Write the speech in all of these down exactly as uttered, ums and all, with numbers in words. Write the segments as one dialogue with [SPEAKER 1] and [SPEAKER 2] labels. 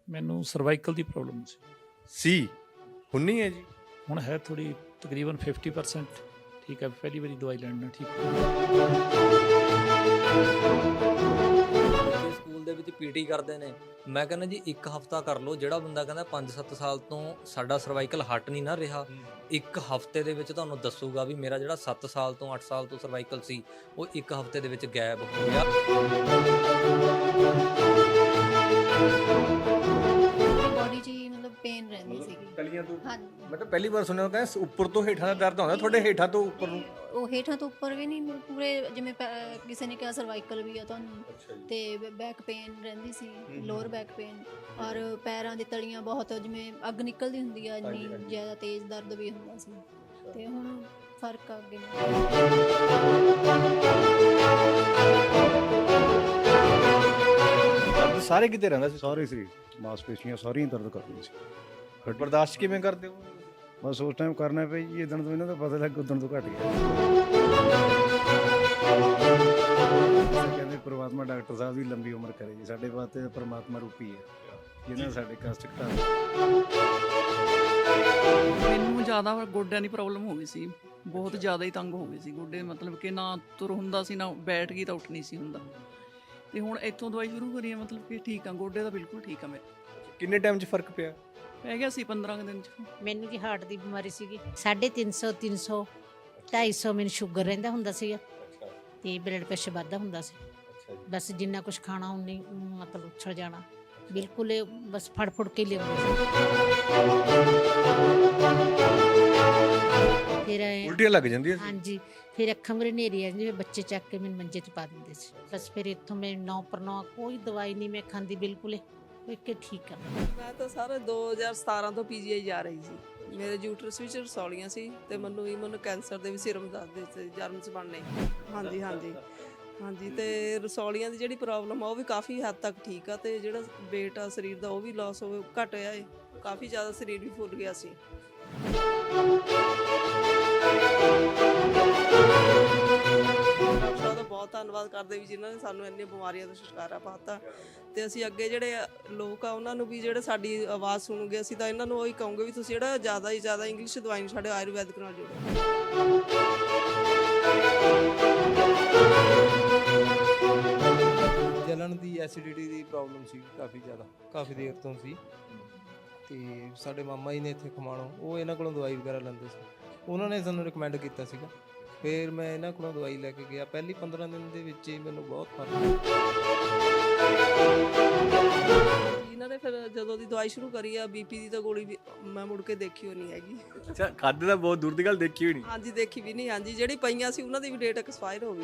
[SPEAKER 1] ਮੈਨੂੰ ਸਰਵਾਈਕਲ ਦੀ ਪ੍ਰੋਬਲਮ ਸੀ
[SPEAKER 2] ਸੀ ਹੁਣ ਨਹੀਂ ਹੈ ਜੀ?
[SPEAKER 1] ਹੁਣ ਹੈ ਥੋੜੀ ਤਕਰੀਬਨ ਫਿਫਟੀ ਪਰਸੈਂਟ ਠੀਕ ਹੈ। ਪਹਿਲੀ ਵਾਰੀ ਦਵਾਈ ਲੈਣ ਨਾਲ ਠੀਕ
[SPEAKER 3] ਸਕੂਲ ਦੇ ਵਿੱਚ ਪੀਟੀ ਕਰਦੇ ਨੇ। ਮੈਂ ਕਹਿੰਦਾ ਜੀ ਇੱਕ ਹਫਤਾ ਕਰ ਲਓ। ਜਿਹੜਾ ਬੰਦਾ ਕਹਿੰਦਾ ਪੰਜ ਸੱਤ ਸਾਲ ਤੋਂ ਸਾਡਾ ਸਰਵਾਈਕਲ ਹਟ ਨਹੀਂ ਨਾ ਰਿਹਾ, ਇੱਕ ਹਫਤੇ ਦੇ ਵਿੱਚ ਤੁਹਾਨੂੰ ਦੱਸੂਗਾ ਵੀ ਮੇਰਾ ਜਿਹੜਾ ਸੱਤ ਸਾਲ ਤੋਂ ਅੱਠ ਸਾਲ ਤੋਂ ਸਰਵਾਈਕਲ ਸੀ ਉਹ ਇੱਕ ਹਫਤੇ ਦੇ ਵਿੱਚ ਗਾਇਬ ਹੋ ਗਿਆ।
[SPEAKER 4] ਬੋਡੀ 'ਚ ਹੀ ਮਤਲਬ ਪੇਨ ਰਹਿੰਦੀ ਸੀਗੀ
[SPEAKER 2] ਕਲੀਆਂ ਤੋਂ?
[SPEAKER 4] ਹਾਂਜੀ।
[SPEAKER 2] ਮੈਂ ਤਾਂ ਪਹਿਲੀ ਵਾਰ ਸੁਣਿਆ ਕਹਿੰਦਾ ਉੱਪਰ ਤੋਂ ਹੇਠਾਂ ਦਾ ਦਰਦ ਹੁੰਦਾ, ਤੁਹਾਡੇ ਹੇਠਾਂ ਤੋਂ ਉੱਪਰ ਨੂੰ?
[SPEAKER 4] ਉਹ ਹੇਠਾਂ ਤੋਂ ਉੱਪਰ ਵੀ ਨਹੀਂ, ਪੂਰੇ ਜਿਵੇਂ ਪੈ- ਕਿਸੇ ਨੇ ਕਿਹਾ ਸਰਵਾਈਕਲ ਵੀ ਆ ਤੁਹਾਨੂੰ, ਤੇ ਬੈਕ ਪੇਨ ਰਹਿੰਦੀ ਸੀ, ਲੋਅਰ ਬੈਕ ਪੇਨ, ਔਰ ਪੈਰਾਂ ਦੀ ਤਲੀਆਂ ਬਹੁਤ ਜਿਵੇਂ ਅੱਗ ਨਿਕਲਦੀ ਹੁੰਦੀ ਆ, ਇੰਨੀ ਜ਼ਿਆਦਾ ਤੇਜ਼ ਦਰਦ ਵੀ ਹੁੰਦਾ ਸੀ। ਤੇ ਹੁਣ ਫਰਕ ਆ ਗਿਆ।
[SPEAKER 2] ਦਰਦ ਸਾਰੇ ਕਿਤੇ ਰਹਿੰਦਾ ਸੀ?
[SPEAKER 5] ਸਾਰੇ ਸਰੀਰ ਮਾਸਪੇਸ਼ੀਆਂ ਸਾਰੀਆਂ ਦਰਦ ਕਰਦੀਆਂ ਸੀ।
[SPEAKER 2] ਫਿਰ ਬਰਦਾਸ਼ਤ ਕਿਵੇਂ ਕਰਦੇ ਹੋ?
[SPEAKER 5] ਬਸ ਉਸ ਟਾਈਮ ਕਰਨਾ ਪਿਆ ਜੀ, ਇਦਣ ਤੋਂ ਇਹਨਾਂ ਦਾ ਪਤਾ ਲੱਗ ਉਦਣ ਤੋਂ ਘਟ ਗਿਆ। ਕਹਿੰਦੇ ਪ੍ਰਮਾਤਮਾ ਡਾਕਟਰ ਸਾਹਿਬ ਦੀ ਲੰਬੀ ਉਮਰ ਕਰੇ ਜੀ, ਸਾਡੇ ਵਾਸਤੇ ਪ੍ਰਮਾਤਮਾ ਰੂਪੀ ਹੈ ਜਿਹਨਾਂ ਸਾਡੇ ਕਸ਼ਟ ਘਟਾ।
[SPEAKER 6] ਮੈਨੂੰ ਜ਼ਿਆਦਾ ਗੋਡਿਆਂ ਦੀ ਪ੍ਰੋਬਲਮ ਹੋ ਗਈ ਸੀ, ਬਹੁਤ ਜ਼ਿਆਦਾ ਹੀ ਤੰਗ ਹੋ ਗਏ ਸੀ ਗੋਡੇ, ਮਤਲਬ ਕਿ ਨਾ ਤੁਰ ਹੁੰਦਾ ਸੀ, ਨਾ ਬੈਠ ਗਈ ਤਾਂ ਉੱਠ ਨਹੀਂ ਸੀ ਹੁੰਦਾ। ਤੇ ਹੁਣ ਇੱਥੋਂ ਦਵਾਈ ਸ਼ੁਰੂ ਕਰੀ ਹੈ, ਮਤਲਬ ਕਿ ਠੀਕ ਆ, ਗੋਡੇ ਦਾ ਬਿਲਕੁਲ ਠੀਕ ਆ। ਮੇਰੇ
[SPEAKER 2] ਕਿੰਨੇ ਟਾਈਮ 'ਚ ਫਰਕ ਪਿਆ?
[SPEAKER 6] ਪੈ ਗਿਆ ਸੀ ਪੰਦਰਾਂ ਕੁ ਦਿਨ 'ਚ।
[SPEAKER 7] ਮੈਨੂੰ ਜੀ ਹਾਰਟ ਦੀ ਬਿਮਾਰੀ ਸੀਗੀ, ਸਾਢੇ ਤਿੰਨ ਸੌ ਤਿੰਨ ਸੌ ਢਾਈ ਸੌ ਮੈਨੂੰ ਸ਼ੂਗਰ ਰਹਿੰਦਾ ਹੁੰਦਾ ਸੀਗਾ, ਤੇ ਬਲੱਡ ਪ੍ਰੈਸ਼ਰ ਵੱਧਦਾ ਹੁੰਦਾ ਸੀ। ਬਸ ਜਿੰਨਾ ਕੁਝ ਖਾਣਾ ਉਨੀ ਮਤਲਬ ਉੱਛਲ ਜਾਣਾ, ਬਿਲਕੁਲ ਇਹ ਬਸ ਫੜ ਫੁੜ ਕੇ ਲਿਆਉਂਦੇ ਸੀ। ਫਿਰ
[SPEAKER 2] ਉਲਟੀਆਂ ਲੱਗ ਜਾਂਦੀਆਂ ਸੀ?
[SPEAKER 7] ਹਾਂਜੀ, ਫਿਰ ਅੱਖਾਂ ਮੇਰੇ ਹਨੇਰੀ ਆ ਜਿਵੇਂ ਬੱਚੇ ਚੱਕ ਕੇ ਮੈਨੂੰ ਮੰਜੇ 'ਤੇ ਪਾ ਦਿੰਦੇ ਸੀ। ਬਸ ਫਿਰ ਇੱਥੋਂ ਮੈਂ ਨੌ ਪਰ ਨੌ ਕੋਈ ਦਵਾਈ ਨਹੀਂ ਮੈਂ ਖਾਂਦੀ, ਬਿਲਕੁਲ ਕਿ ਠੀਕ ਆ।
[SPEAKER 8] ਮੈਂ ਤਾਂ ਸਾਰੇ ਦੋ ਹਜ਼ਾਰ ਸਤਾਰਾਂ ਤੋਂ ਪੀਜੀਆਈ ਜਾ ਰਹੀ ਸੀ। ਮੇਰੇ ਯੂਟਰਸ ਵਿੱਚ ਰਸੌਲੀਆਂ ਸੀ ਤੇ ਮੈਨੂੰ ਵੀ ਮੈਨੂੰ ਕੈਂਸਰ ਦੇ ਵੀ ਸਿਰਮ ਦੱਸਦੇ ਸੀ, ਜਰਮਸ ਬਣਨੇ। ਹਾਂਜੀ ਹਾਂਜੀ ਹਾਂਜੀ ਤੇ ਰਸੌਲੀਆਂ ਦੀ ਜਿਹੜੀ ਪ੍ਰੋਬਲਮ ਆ ਉਹ ਵੀ ਕਾਫੀ ਹੱਦ ਤੱਕ ਠੀਕ ਆ, ਤੇ ਜਿਹੜਾ weight ਆ ਸਰੀਰ ਦਾ ਉਹ ਵੀ ਲਾਸ ਹੋਵੇ ਘਟ ਗਿਆ ਏ, ਕਾਫੀ ਜ਼ਿਆਦਾ ਸਰੀਰ ਵੀ ਫੁੱਲ ਗਿਆ ਸੀ। ਡਾਕਟਰਾਂ ਦਾ ਬਹੁਤ ਧੰਨਵਾਦ ਕਰਦੇ ਵੀ ਜਿਨ੍ਹਾਂ ਨੇ ਸਾਨੂੰ ਇੰਨੀਆਂ ਬਿਮਾਰੀਆਂ ਤੋਂ ਛੁਟਕਾਰਾ ਪਾਤਾ, ਤੇ ਅਸੀਂ ਅੱਗੇ ਜਿਹੜੇ ਲੋਕ ਆ ਉਹਨਾਂ ਨੂੰ ਵੀ ਜਿਹੜੇ ਸਾਡੀ ਆਵਾਜ਼ ਸੁਣੂਗੇ, ਅਸੀਂ ਤਾਂ ਇਹਨਾਂ ਨੂੰ ਉਹੀ ਕਹੂੰਗੇ ਵੀ ਤੁਸੀਂ ਜਿਹੜਾ ਜ਼ਿਆਦਾ ਹੀ ਜ਼ਿਆਦਾ ਇੰਗਲਿਸ਼ ਦਵਾਈ ਨੂੰ ਸਾਡੇ ਆਯੁਰਵੈਦਿਕ ਨਾਲ ਜੋੜੋ।
[SPEAKER 9] ਜਲਣ ਦੀ ਐਸਿਡਿਟੀ ਦੀ ਪ੍ਰੋਬਲਮ ਸੀ ਕਾਫੀ ਜ਼ਿਆਦਾ, ਕਾਫੀ ਦੇਰ ਤੋਂ ਸੀ। ਤੇ ਸਾਡੇ ਮਾਮਾ ਜੀ ਨੇ ਇੱਥੇ ਖਮਾਣੋ, ਉਹ ਇਹਨਾਂ ਕੋਲੋਂ ਦਵਾਈ ਵਗੈਰਾ ਲੈਂਦੇ ਸੀ, ਉਹਨਾਂ ਨੇ ਸਾਨੂੰ ਰਿਕਮੈਂਡ ਕੀਤਾ ਸੀਗਾ। ਫਿਰ ਮੈਂ ਇਹਨਾਂ ਕੋਲੋਂ ਦਵਾਈ ਲੈ ਕੇ ਗਿਆ, ਪਹਿਲੀ ਪੰਦਰਾਂ ਦਿਨ ਦੇ ਵਿੱਚ ਹੀ ਮੈਨੂੰ ਬਹੁਤ ਫਰਕ
[SPEAKER 8] ਇਹਨਾਂ ਨੇ ਫਿਰ ਜਦੋਂ ਦੀ ਦਵਾਈ ਸ਼ੁਰੂ ਕਰੀ ਆ ਬੀਪੀ ਦੀ ਤਾਂ ਗੋਲੀ ਵੀ ਮੈਂ ਮੁੜ ਕੇ ਦੇਖੀ ਹੋ ਨਹੀਂ ਹੈਗੀ।
[SPEAKER 2] ਅੱਛਾ, ਖਾਦੇ ਦਾ ਬਹੁਤ ਦੂਰ ਦੀ ਗੱਲ, ਦੇਖੀ ਹੋਈ ਨਹੀਂ?
[SPEAKER 8] ਹਾਂਜੀ ਦੇਖੀ ਵੀ ਨਹੀਂ। ਹਾਂਜੀ ਜਿਹੜੀ ਪਈਆਂ ਸੀ ਉਹਨਾਂ ਦੀ ਵੀ ਡੇਟ ਐਕਸਪਾਇਰ ਹੋ ਗਈ।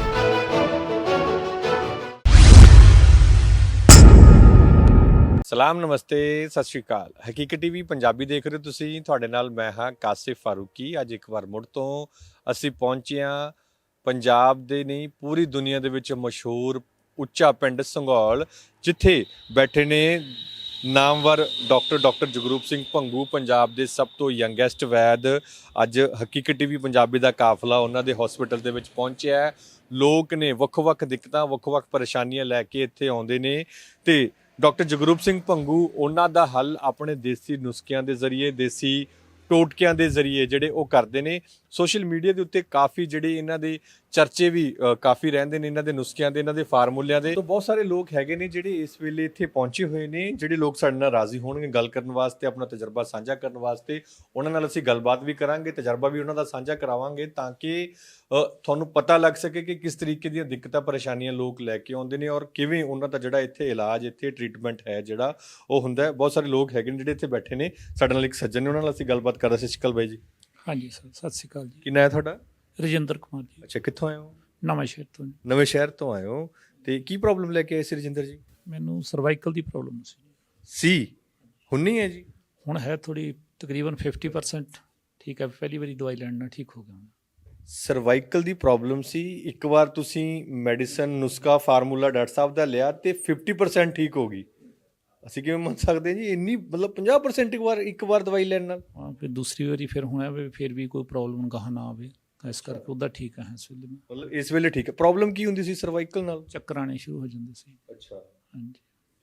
[SPEAKER 2] ਸਲਾਮ, ਨਮਸਤੇ, ਸਤਿ ਸ਼੍ਰੀ ਅਕਾਲ। ਹਕੀਕਤ ਟੀਵੀ ਪੰਜਾਬੀ ਦੇਖ ਰਹੇ ਹੋ ਤੁਸੀਂ, ਤੁਹਾਡੇ ਨਾਲ ਮੈਂ ਹਾਂ ਕਾਸਿਫ ਫਾਰੂਕੀ। ਅੱਜ ਇੱਕ ਵਾਰ ਮੁੜ ਤੋਂ ਅਸੀਂ ਪਹੁੰਚੇ ਹਾਂ ਪੰਜਾਬ ਦੇ ਨਹੀਂ ਪੂਰੀ ਦੁਨੀਆ ਦੇ ਵਿੱਚ ਮਸ਼ਹੂਰ ਉੱਚਾ ਪਿੰਡ ਸੰਘੌਲ, ਜਿੱਥੇ ਬੈਠੇ ਨੇ ਨਾਮਵਰ ਡਾਕਟਰ ਡਾਕਟਰ ਜਗਰੂਪ ਸਿੰਘ ਭੰਗੂ, ਪੰਜਾਬ ਦੇ ਸਭ ਤੋਂ ਯੰਗੈਸਟ ਵੈਦ। ਅੱਜ ਹਕੀਕਤ ਟੀਵੀ ਪੰਜਾਬੀ ਦਾ ਕਾਫਲਾ ਉਹਨਾਂ ਦੇ ਹਸਪੀਟਲ ਦੇ ਵਿੱਚ ਪਹੁੰਚਿਆ ਹੈ। ਲੋਕ ਨੇ ਵੱਖ-ਵੱਖ ਦਿੱਕਤਾਂ, ਵੱਖ-ਵੱਖ ਪਰੇਸ਼ਾਨੀਆਂ ਲੈ ਕੇ ਇੱਥੇ ਆਉਂਦੇ ਨੇ, ਤੇ ਡਾਕਟਰ ਜਗਰੂਪ ਸਿੰਘ ਭੰਗੂ ਉਹਨਾਂ ਦਾ ਹੱਲ ਆਪਣੇ ਦੇਸੀ ਨੁਸਖਿਆਂ ਦੇ ਜ਼ਰੀਏ, ਦੇਸੀ ਟੋਟਕਿਆਂ ਦੇ ਜ਼ਰੀਏ ਜਿਹੜੇ ਉਹ ਕਰਦੇ ਨੇ। ਸੋਸ਼ਲ ਮੀਡੀਆ ਦੇ ਉੱਤੇ ਕਾਫੀ ਜਿਹੜੇ ਇਹਨਾਂ ਦੇ ਚਰਚੇ ਵੀ ਕਾਫੀ ਰਹਿੰਦੇ ਨੇ, ਇਹਨਾਂ ਦੇ ਨੁਸਖਿਆਂ ਦੇ, ਇਹਨਾਂ ਦੇ ਫਾਰਮੂਲਿਆਂ ਦੇ। ਤਾਂ ਬਹੁਤ ਸਾਰੇ ਲੋਕ ਹੈਗੇ ਨੇ ਜਿਹੜੇ ਇਸ ਵੇਲੇ ਇੱਥੇ ਪਹੁੰਚੇ ਹੋਏ ਨੇ, ਜਿਹੜੇ ਲੋਕ ਸਾਡੇ ਨਾਲ ਰਾਜ਼ੀ ਹੋਣਗੇ ਗੱਲ ਕਰਨ ਵਾਸਤੇ, ਆਪਣਾ ਤਜਰਬਾ ਸਾਂਝਾ ਕਰਨ ਵਾਸਤੇ। ਉਹਨਾਂ ਨਾਲ ਅਸੀਂ ਗੱਲਬਾਤ ਵੀ ਕਰਾਂਗੇ, ਤਜਰਬਾ ਵੀ ਉਹਨਾਂ ਦਾ ਸਾਂਝਾ ਕਰਾਵਾਂਗੇ, ਤਾਂ ਕਿ ਤੁਹਾਨੂੰ ਪਤਾ ਲੱਗ ਸਕੇ ਕਿ ਕਿਸ ਤਰੀਕੇ ਦੀਆਂ ਦਿੱਕਤਾਂ ਪਰੇਸ਼ਾਨੀਆਂ ਲੋਕ ਲੈ ਕੇ ਆਉਂਦੇ ਨੇ, ਔਰ ਕਿਵੇਂ ਉਹਨਾਂ ਦਾ ਜਿਹੜਾ ਇੱਥੇ ਇਲਾਜ, ਇੱਥੇ ਟ੍ਰੀਟਮੈਂਟ ਹੈ ਜਿਹੜਾ ਉਹ ਹੁੰਦਾ ਹੈ। ਬਹੁਤ ਸਾਰੇ ਲੋਕ ਹੈਗੇ ਨੇ ਜਿਹੜੇ ਇੱਥੇ ਬੈਠੇ ਨੇ। ਸਾਡੇ ਨਾਲ ਇੱਕ ਸੱਜਣ ਨੇ, ਉਹਨਾਂ ਨਾਲ ਅਸੀਂ ਗੱਲਬਾਤ ਕਰ ਰਹੇ। ਸਤਿ ਸ਼੍ਰੀ ਅਕਾਲ ਬਾਈ ਜੀ।
[SPEAKER 1] ਹਾਂਜੀ ਸਰ, ਸਤਿ ਸ਼੍ਰੀ ਅਕਾਲ ਜੀ।
[SPEAKER 2] ਕੀ ਨਾਂ ਹੈ ਤੁਹਾਡਾ?
[SPEAKER 1] ਰਜਿੰਦਰ ਕੁਮਾਰ ਜੀ।
[SPEAKER 2] ਅੱਛਾ, ਕਿੱਥੋਂ ਆਏ ਹੋ?
[SPEAKER 1] ਨਵਾਂ ਸ਼ਹਿਰ ਤੋਂ।
[SPEAKER 2] ਨਵੇਂ ਸ਼ਹਿਰ ਤੋਂ ਆਏ ਹੋ, ਤੇ ਕੀ ਪ੍ਰੋਬਲਮ ਲੈ ਕੇ ਆਏ ਸੀ ਰਜਿੰਦਰ ਜੀ?
[SPEAKER 1] ਮੈਨੂੰ ਸਰਵਾਈਕਲ ਦੀ ਪ੍ਰੋਬਲਮ ਸੀ
[SPEAKER 2] ਸੀ ਹੁਣ ਨਹੀਂ ਹੈ ਜੀ?
[SPEAKER 1] ਹੁਣ ਹੈ ਥੋੜੀ ਤਕਰੀਬਨ ਫਿਫਟੀ ਪਰਸੈਂਟ ਠੀਕ ਹੈ। ਪਹਿਲੀ ਵਾਰੀ ਦਵਾਈ ਲੈਣ ਨਾਲ ਠੀਕ ਹੋ ਗਿਆ।
[SPEAKER 2] ਸਰਵਾਈਕਲ ਦੀ ਪ੍ਰੋਬਲਮ ਸੀ, ਇੱਕ ਵਾਰ ਤੁਸੀਂ ਮੈਡੀਸਨ ਨੁਸਖਾ ਫਾਰਮੂਲਾ ਡਾਕਟਰ ਸਾਹਿਬ ਦਾ ਲਿਆ ਤੇ ਫਿਫਟੀ ਪਰਸੈਂਟ ਠੀਕ ਹੋ ਗਈ। ਅਸੀਂ ਕਿਵੇਂ ਮੰਨ ਸਕਦੇ ਹਾਂ ਜੀ ਇੰਨੀ, ਮਤਲਬ ਪੰਜਾਹ ਪਰਸੈਂਟ ਇੱਕ ਵਾਰ ਇੱਕ ਵਾਰ ਦਵਾਈ ਲੈਣ ਨਾਲ?
[SPEAKER 1] ਹਾਂ, ਫਿਰ ਦੂਸਰੀ ਵਾਰੀ ਫਿਰ ਹੋਣਾ ਵੀ ਫਿਰ ਵੀ ਕੋਈ ਪ੍ਰੋਬਲਮ ਗਾਹ ਨਾ ਆਵੇ, ਇਸ ਕਰਕੇ ਉਹਦਾ ਠੀਕ ਹੈ ਇਸ ਵੇਲੇ।
[SPEAKER 2] ਮਤਲਬ ਇਸ ਵੇਲੇ ਠੀਕ ਹੈ। ਪ੍ਰੋਬਲਮ ਕੀ ਹੁੰਦੀ ਸੀ ਸਰਵਾਈਕਲ ਨਾਲ?
[SPEAKER 1] ਚੱਕਰ ਆਉਣੇ ਸ਼ੁਰੂ ਹੋ ਜਾਂਦੇ ਸੀ।
[SPEAKER 2] ਅੱਛਾ,
[SPEAKER 1] ਹਾਂਜੀ।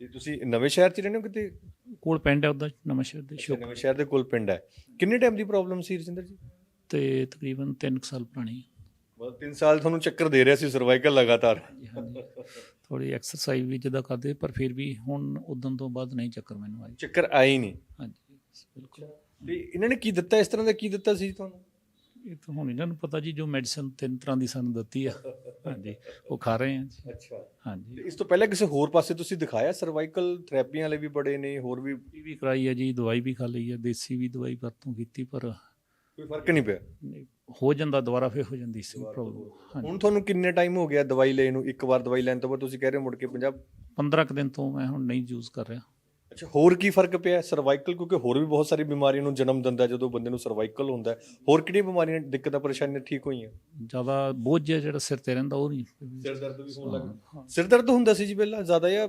[SPEAKER 2] ਤੇ ਤੁਸੀਂ ਨਵੇਂ ਸ਼ਹਿਰ 'ਚ ਰਹਿੰਦੇ ਹੋ ਕਿਤੇ?
[SPEAKER 1] ਕੋਲ ਪਿੰਡ ਹੈ ਉਹਦਾ ਨਵਾਂ ਸ਼ਹਿਰ ਦੇ
[SPEAKER 2] ਅੱਛਾ,
[SPEAKER 1] ਸ਼ੋਕ
[SPEAKER 2] ਨਵੇਂ ਸ਼ਹਿਰ ਦੇ ਕੋਲ ਪਿੰਡ ਹੈ। ਕਿੰਨੇ ਟਾਈਮ ਦੀ ਪ੍ਰੋਬਲਮ ਸੀ ਰਜਿੰਦਰ ਜੀ?
[SPEAKER 1] ਤੇ ਤਕਰੀਬਨ ਤਿੰਨ ਕੁ ਸਾਲ ਪੁਰਾਣੀ।
[SPEAKER 2] ਮਤਲਬ ਤਿੰਨ ਸਾਲ ਤੁਹਾਨੂੰ ਚੱਕਰ ਦੇ ਰਿਹਾ ਸੀ ਸਰਵਾਈਕਲ ਲਗਾਤਾਰ?
[SPEAKER 1] ਹਾਂਜੀ, ਥੋੜੀ ਐਕਸਰਸਾਈਜ਼ ਵੀ ਜਿੱਦਾਂ ਕਰਦੇ, ਪਰ ਫਿਰ ਵੀ ਹੁਣ ਉਦੋਂ ਤੋਂ ਬਾਅਦ ਨਹੀਂ ਚੱਕਰ ਮੈਨੂੰ ਆਈ।
[SPEAKER 2] ਚੱਕਰ ਆਏ ਹੀ ਨਹੀਂ?
[SPEAKER 1] ਹਾਂਜੀ ਬਿਲਕੁਲ।
[SPEAKER 2] ਤੇ ਇਹਨਾਂ ਨੇ ਕੀ ਦਿੱਤਾ, ਇਸ ਤਰ੍ਹਾਂ ਦਾ ਕੀ ਦਿੱਤਾ ਸੀ ਤੁਹਾਨੂੰ?
[SPEAKER 1] ਇਹ ਤਾਂ ਹੁਣ ਇਹਨਾਂ ਨੂੰ ਪਤਾ ਜੀ, ਜੋ ਮੈਡੀਸਨ ਤਿੰਨ ਤਰ੍ਹਾਂ ਦੀ ਸਾਨੂੰ ਦਿੱਤੀ ਆ, ਹਾਂਜੀ ਉਹ ਖਾ ਰਹੇ ਹਾਂ ਜੀ।
[SPEAKER 2] ਅੱਛਾ,
[SPEAKER 1] ਹਾਂਜੀ
[SPEAKER 2] ਤੇ ਇਸ ਤੋਂ ਪਹਿਲਾਂ ਕਿਸੇ ਹੋਰ ਪਾਸੇ ਤੁਸੀਂ ਦਿਖਾਇਆ? ਸਰਵਾਈਕਲ ਥੈਰੇਪੀਆਂ ਵਾਲੇ ਵੀ ਬੜੇ ਨੇ, ਹੋਰ ਵੀ
[SPEAKER 1] ਇਹ ਵੀ ਕਰਾਈ ਹੈ ਜੀ, ਦਵਾਈ ਵੀ ਖਾ ਲਈ ਹੈ, ਦੇਸੀ ਵੀ ਦਵਾਈ ਵਰਤੋਂ ਕੀਤੀ, ਪਰ
[SPEAKER 2] ਕੋਈ ਫਰਕ ਨਹੀਂ ਪਿਆ?
[SPEAKER 1] ਨਹੀਂ, ਹੋ ਜਾਂਦਾ ਦੁਬਾਰਾ, ਫਿਰ ਹੋ ਜਾਂਦੀ ਸੀ ਪ੍ਰੋਬਲਮ। ਹਾਂਜੀ,
[SPEAKER 2] ਹੁਣ ਤੁਹਾਨੂੰ ਕਿੰਨੇ ਟਾਈਮ ਹੋ ਗਿਆ ਦਵਾਈ ਲੈਣ ਨੂੰ? ਇੱਕ ਵਾਰ ਦਵਾਈ ਲੈਣ ਤੋਂ ਬਾਅਦ ਤੁਸੀਂ ਕਹਿ ਰਹੇ ਹੋ ਮੁੜ ਕੇ ਪੰਜਾਬ?
[SPEAKER 1] ਪੰਦਰਾਂ ਕੁ ਦਿਨ ਤੋਂ ਮੈਂ ਹੁਣ ਨਹੀਂ ਯੂਜ਼ ਕਰ ਰਿਹਾ।
[SPEAKER 2] ਅੱਛਾ, ਹੋਰ ਕੀ ਫਰਕ ਪਿਆ ਸਰਵਾਈਕਲ? ਕਿਉਂਕਿ ਹੋਰ ਵੀ ਬਹੁਤ ਸਾਰੀ ਬਿਮਾਰੀਆਂ ਨੂੰ ਜਨਮ ਦਿੰਦਾ ਜਦੋਂ ਬੰਦੇ ਨੂੰ ਸਰਵਾਈਕਲ ਹੁੰਦਾ ਹੈ। ਹੋਰ ਕਿਹੜੀਆਂ ਬਿਮਾਰੀਆਂ, ਦਿੱਕਤਾਂ, ਪਰੇਸ਼ਾਨੀਆਂ ਠੀਕ ਹੋਈਆਂ?
[SPEAKER 1] ਜ਼ਿਆਦਾ ਬੋਝ ਜਿਹਾ ਜਿਹੜਾ ਸਿਰ ਤੇ ਰਹਿੰਦਾ ਉਹ ਨਹੀਂ।
[SPEAKER 2] ਸਿਰ ਦਰਦ ਵੀ ਹੋਣ ਲੱਗਾ? ਸਿਰ ਦਰਦ ਹੁੰਦਾ ਸੀ ਜੀ ਪਹਿਲਾਂ ਜ਼ਿਆਦਾ, ਜਾਂ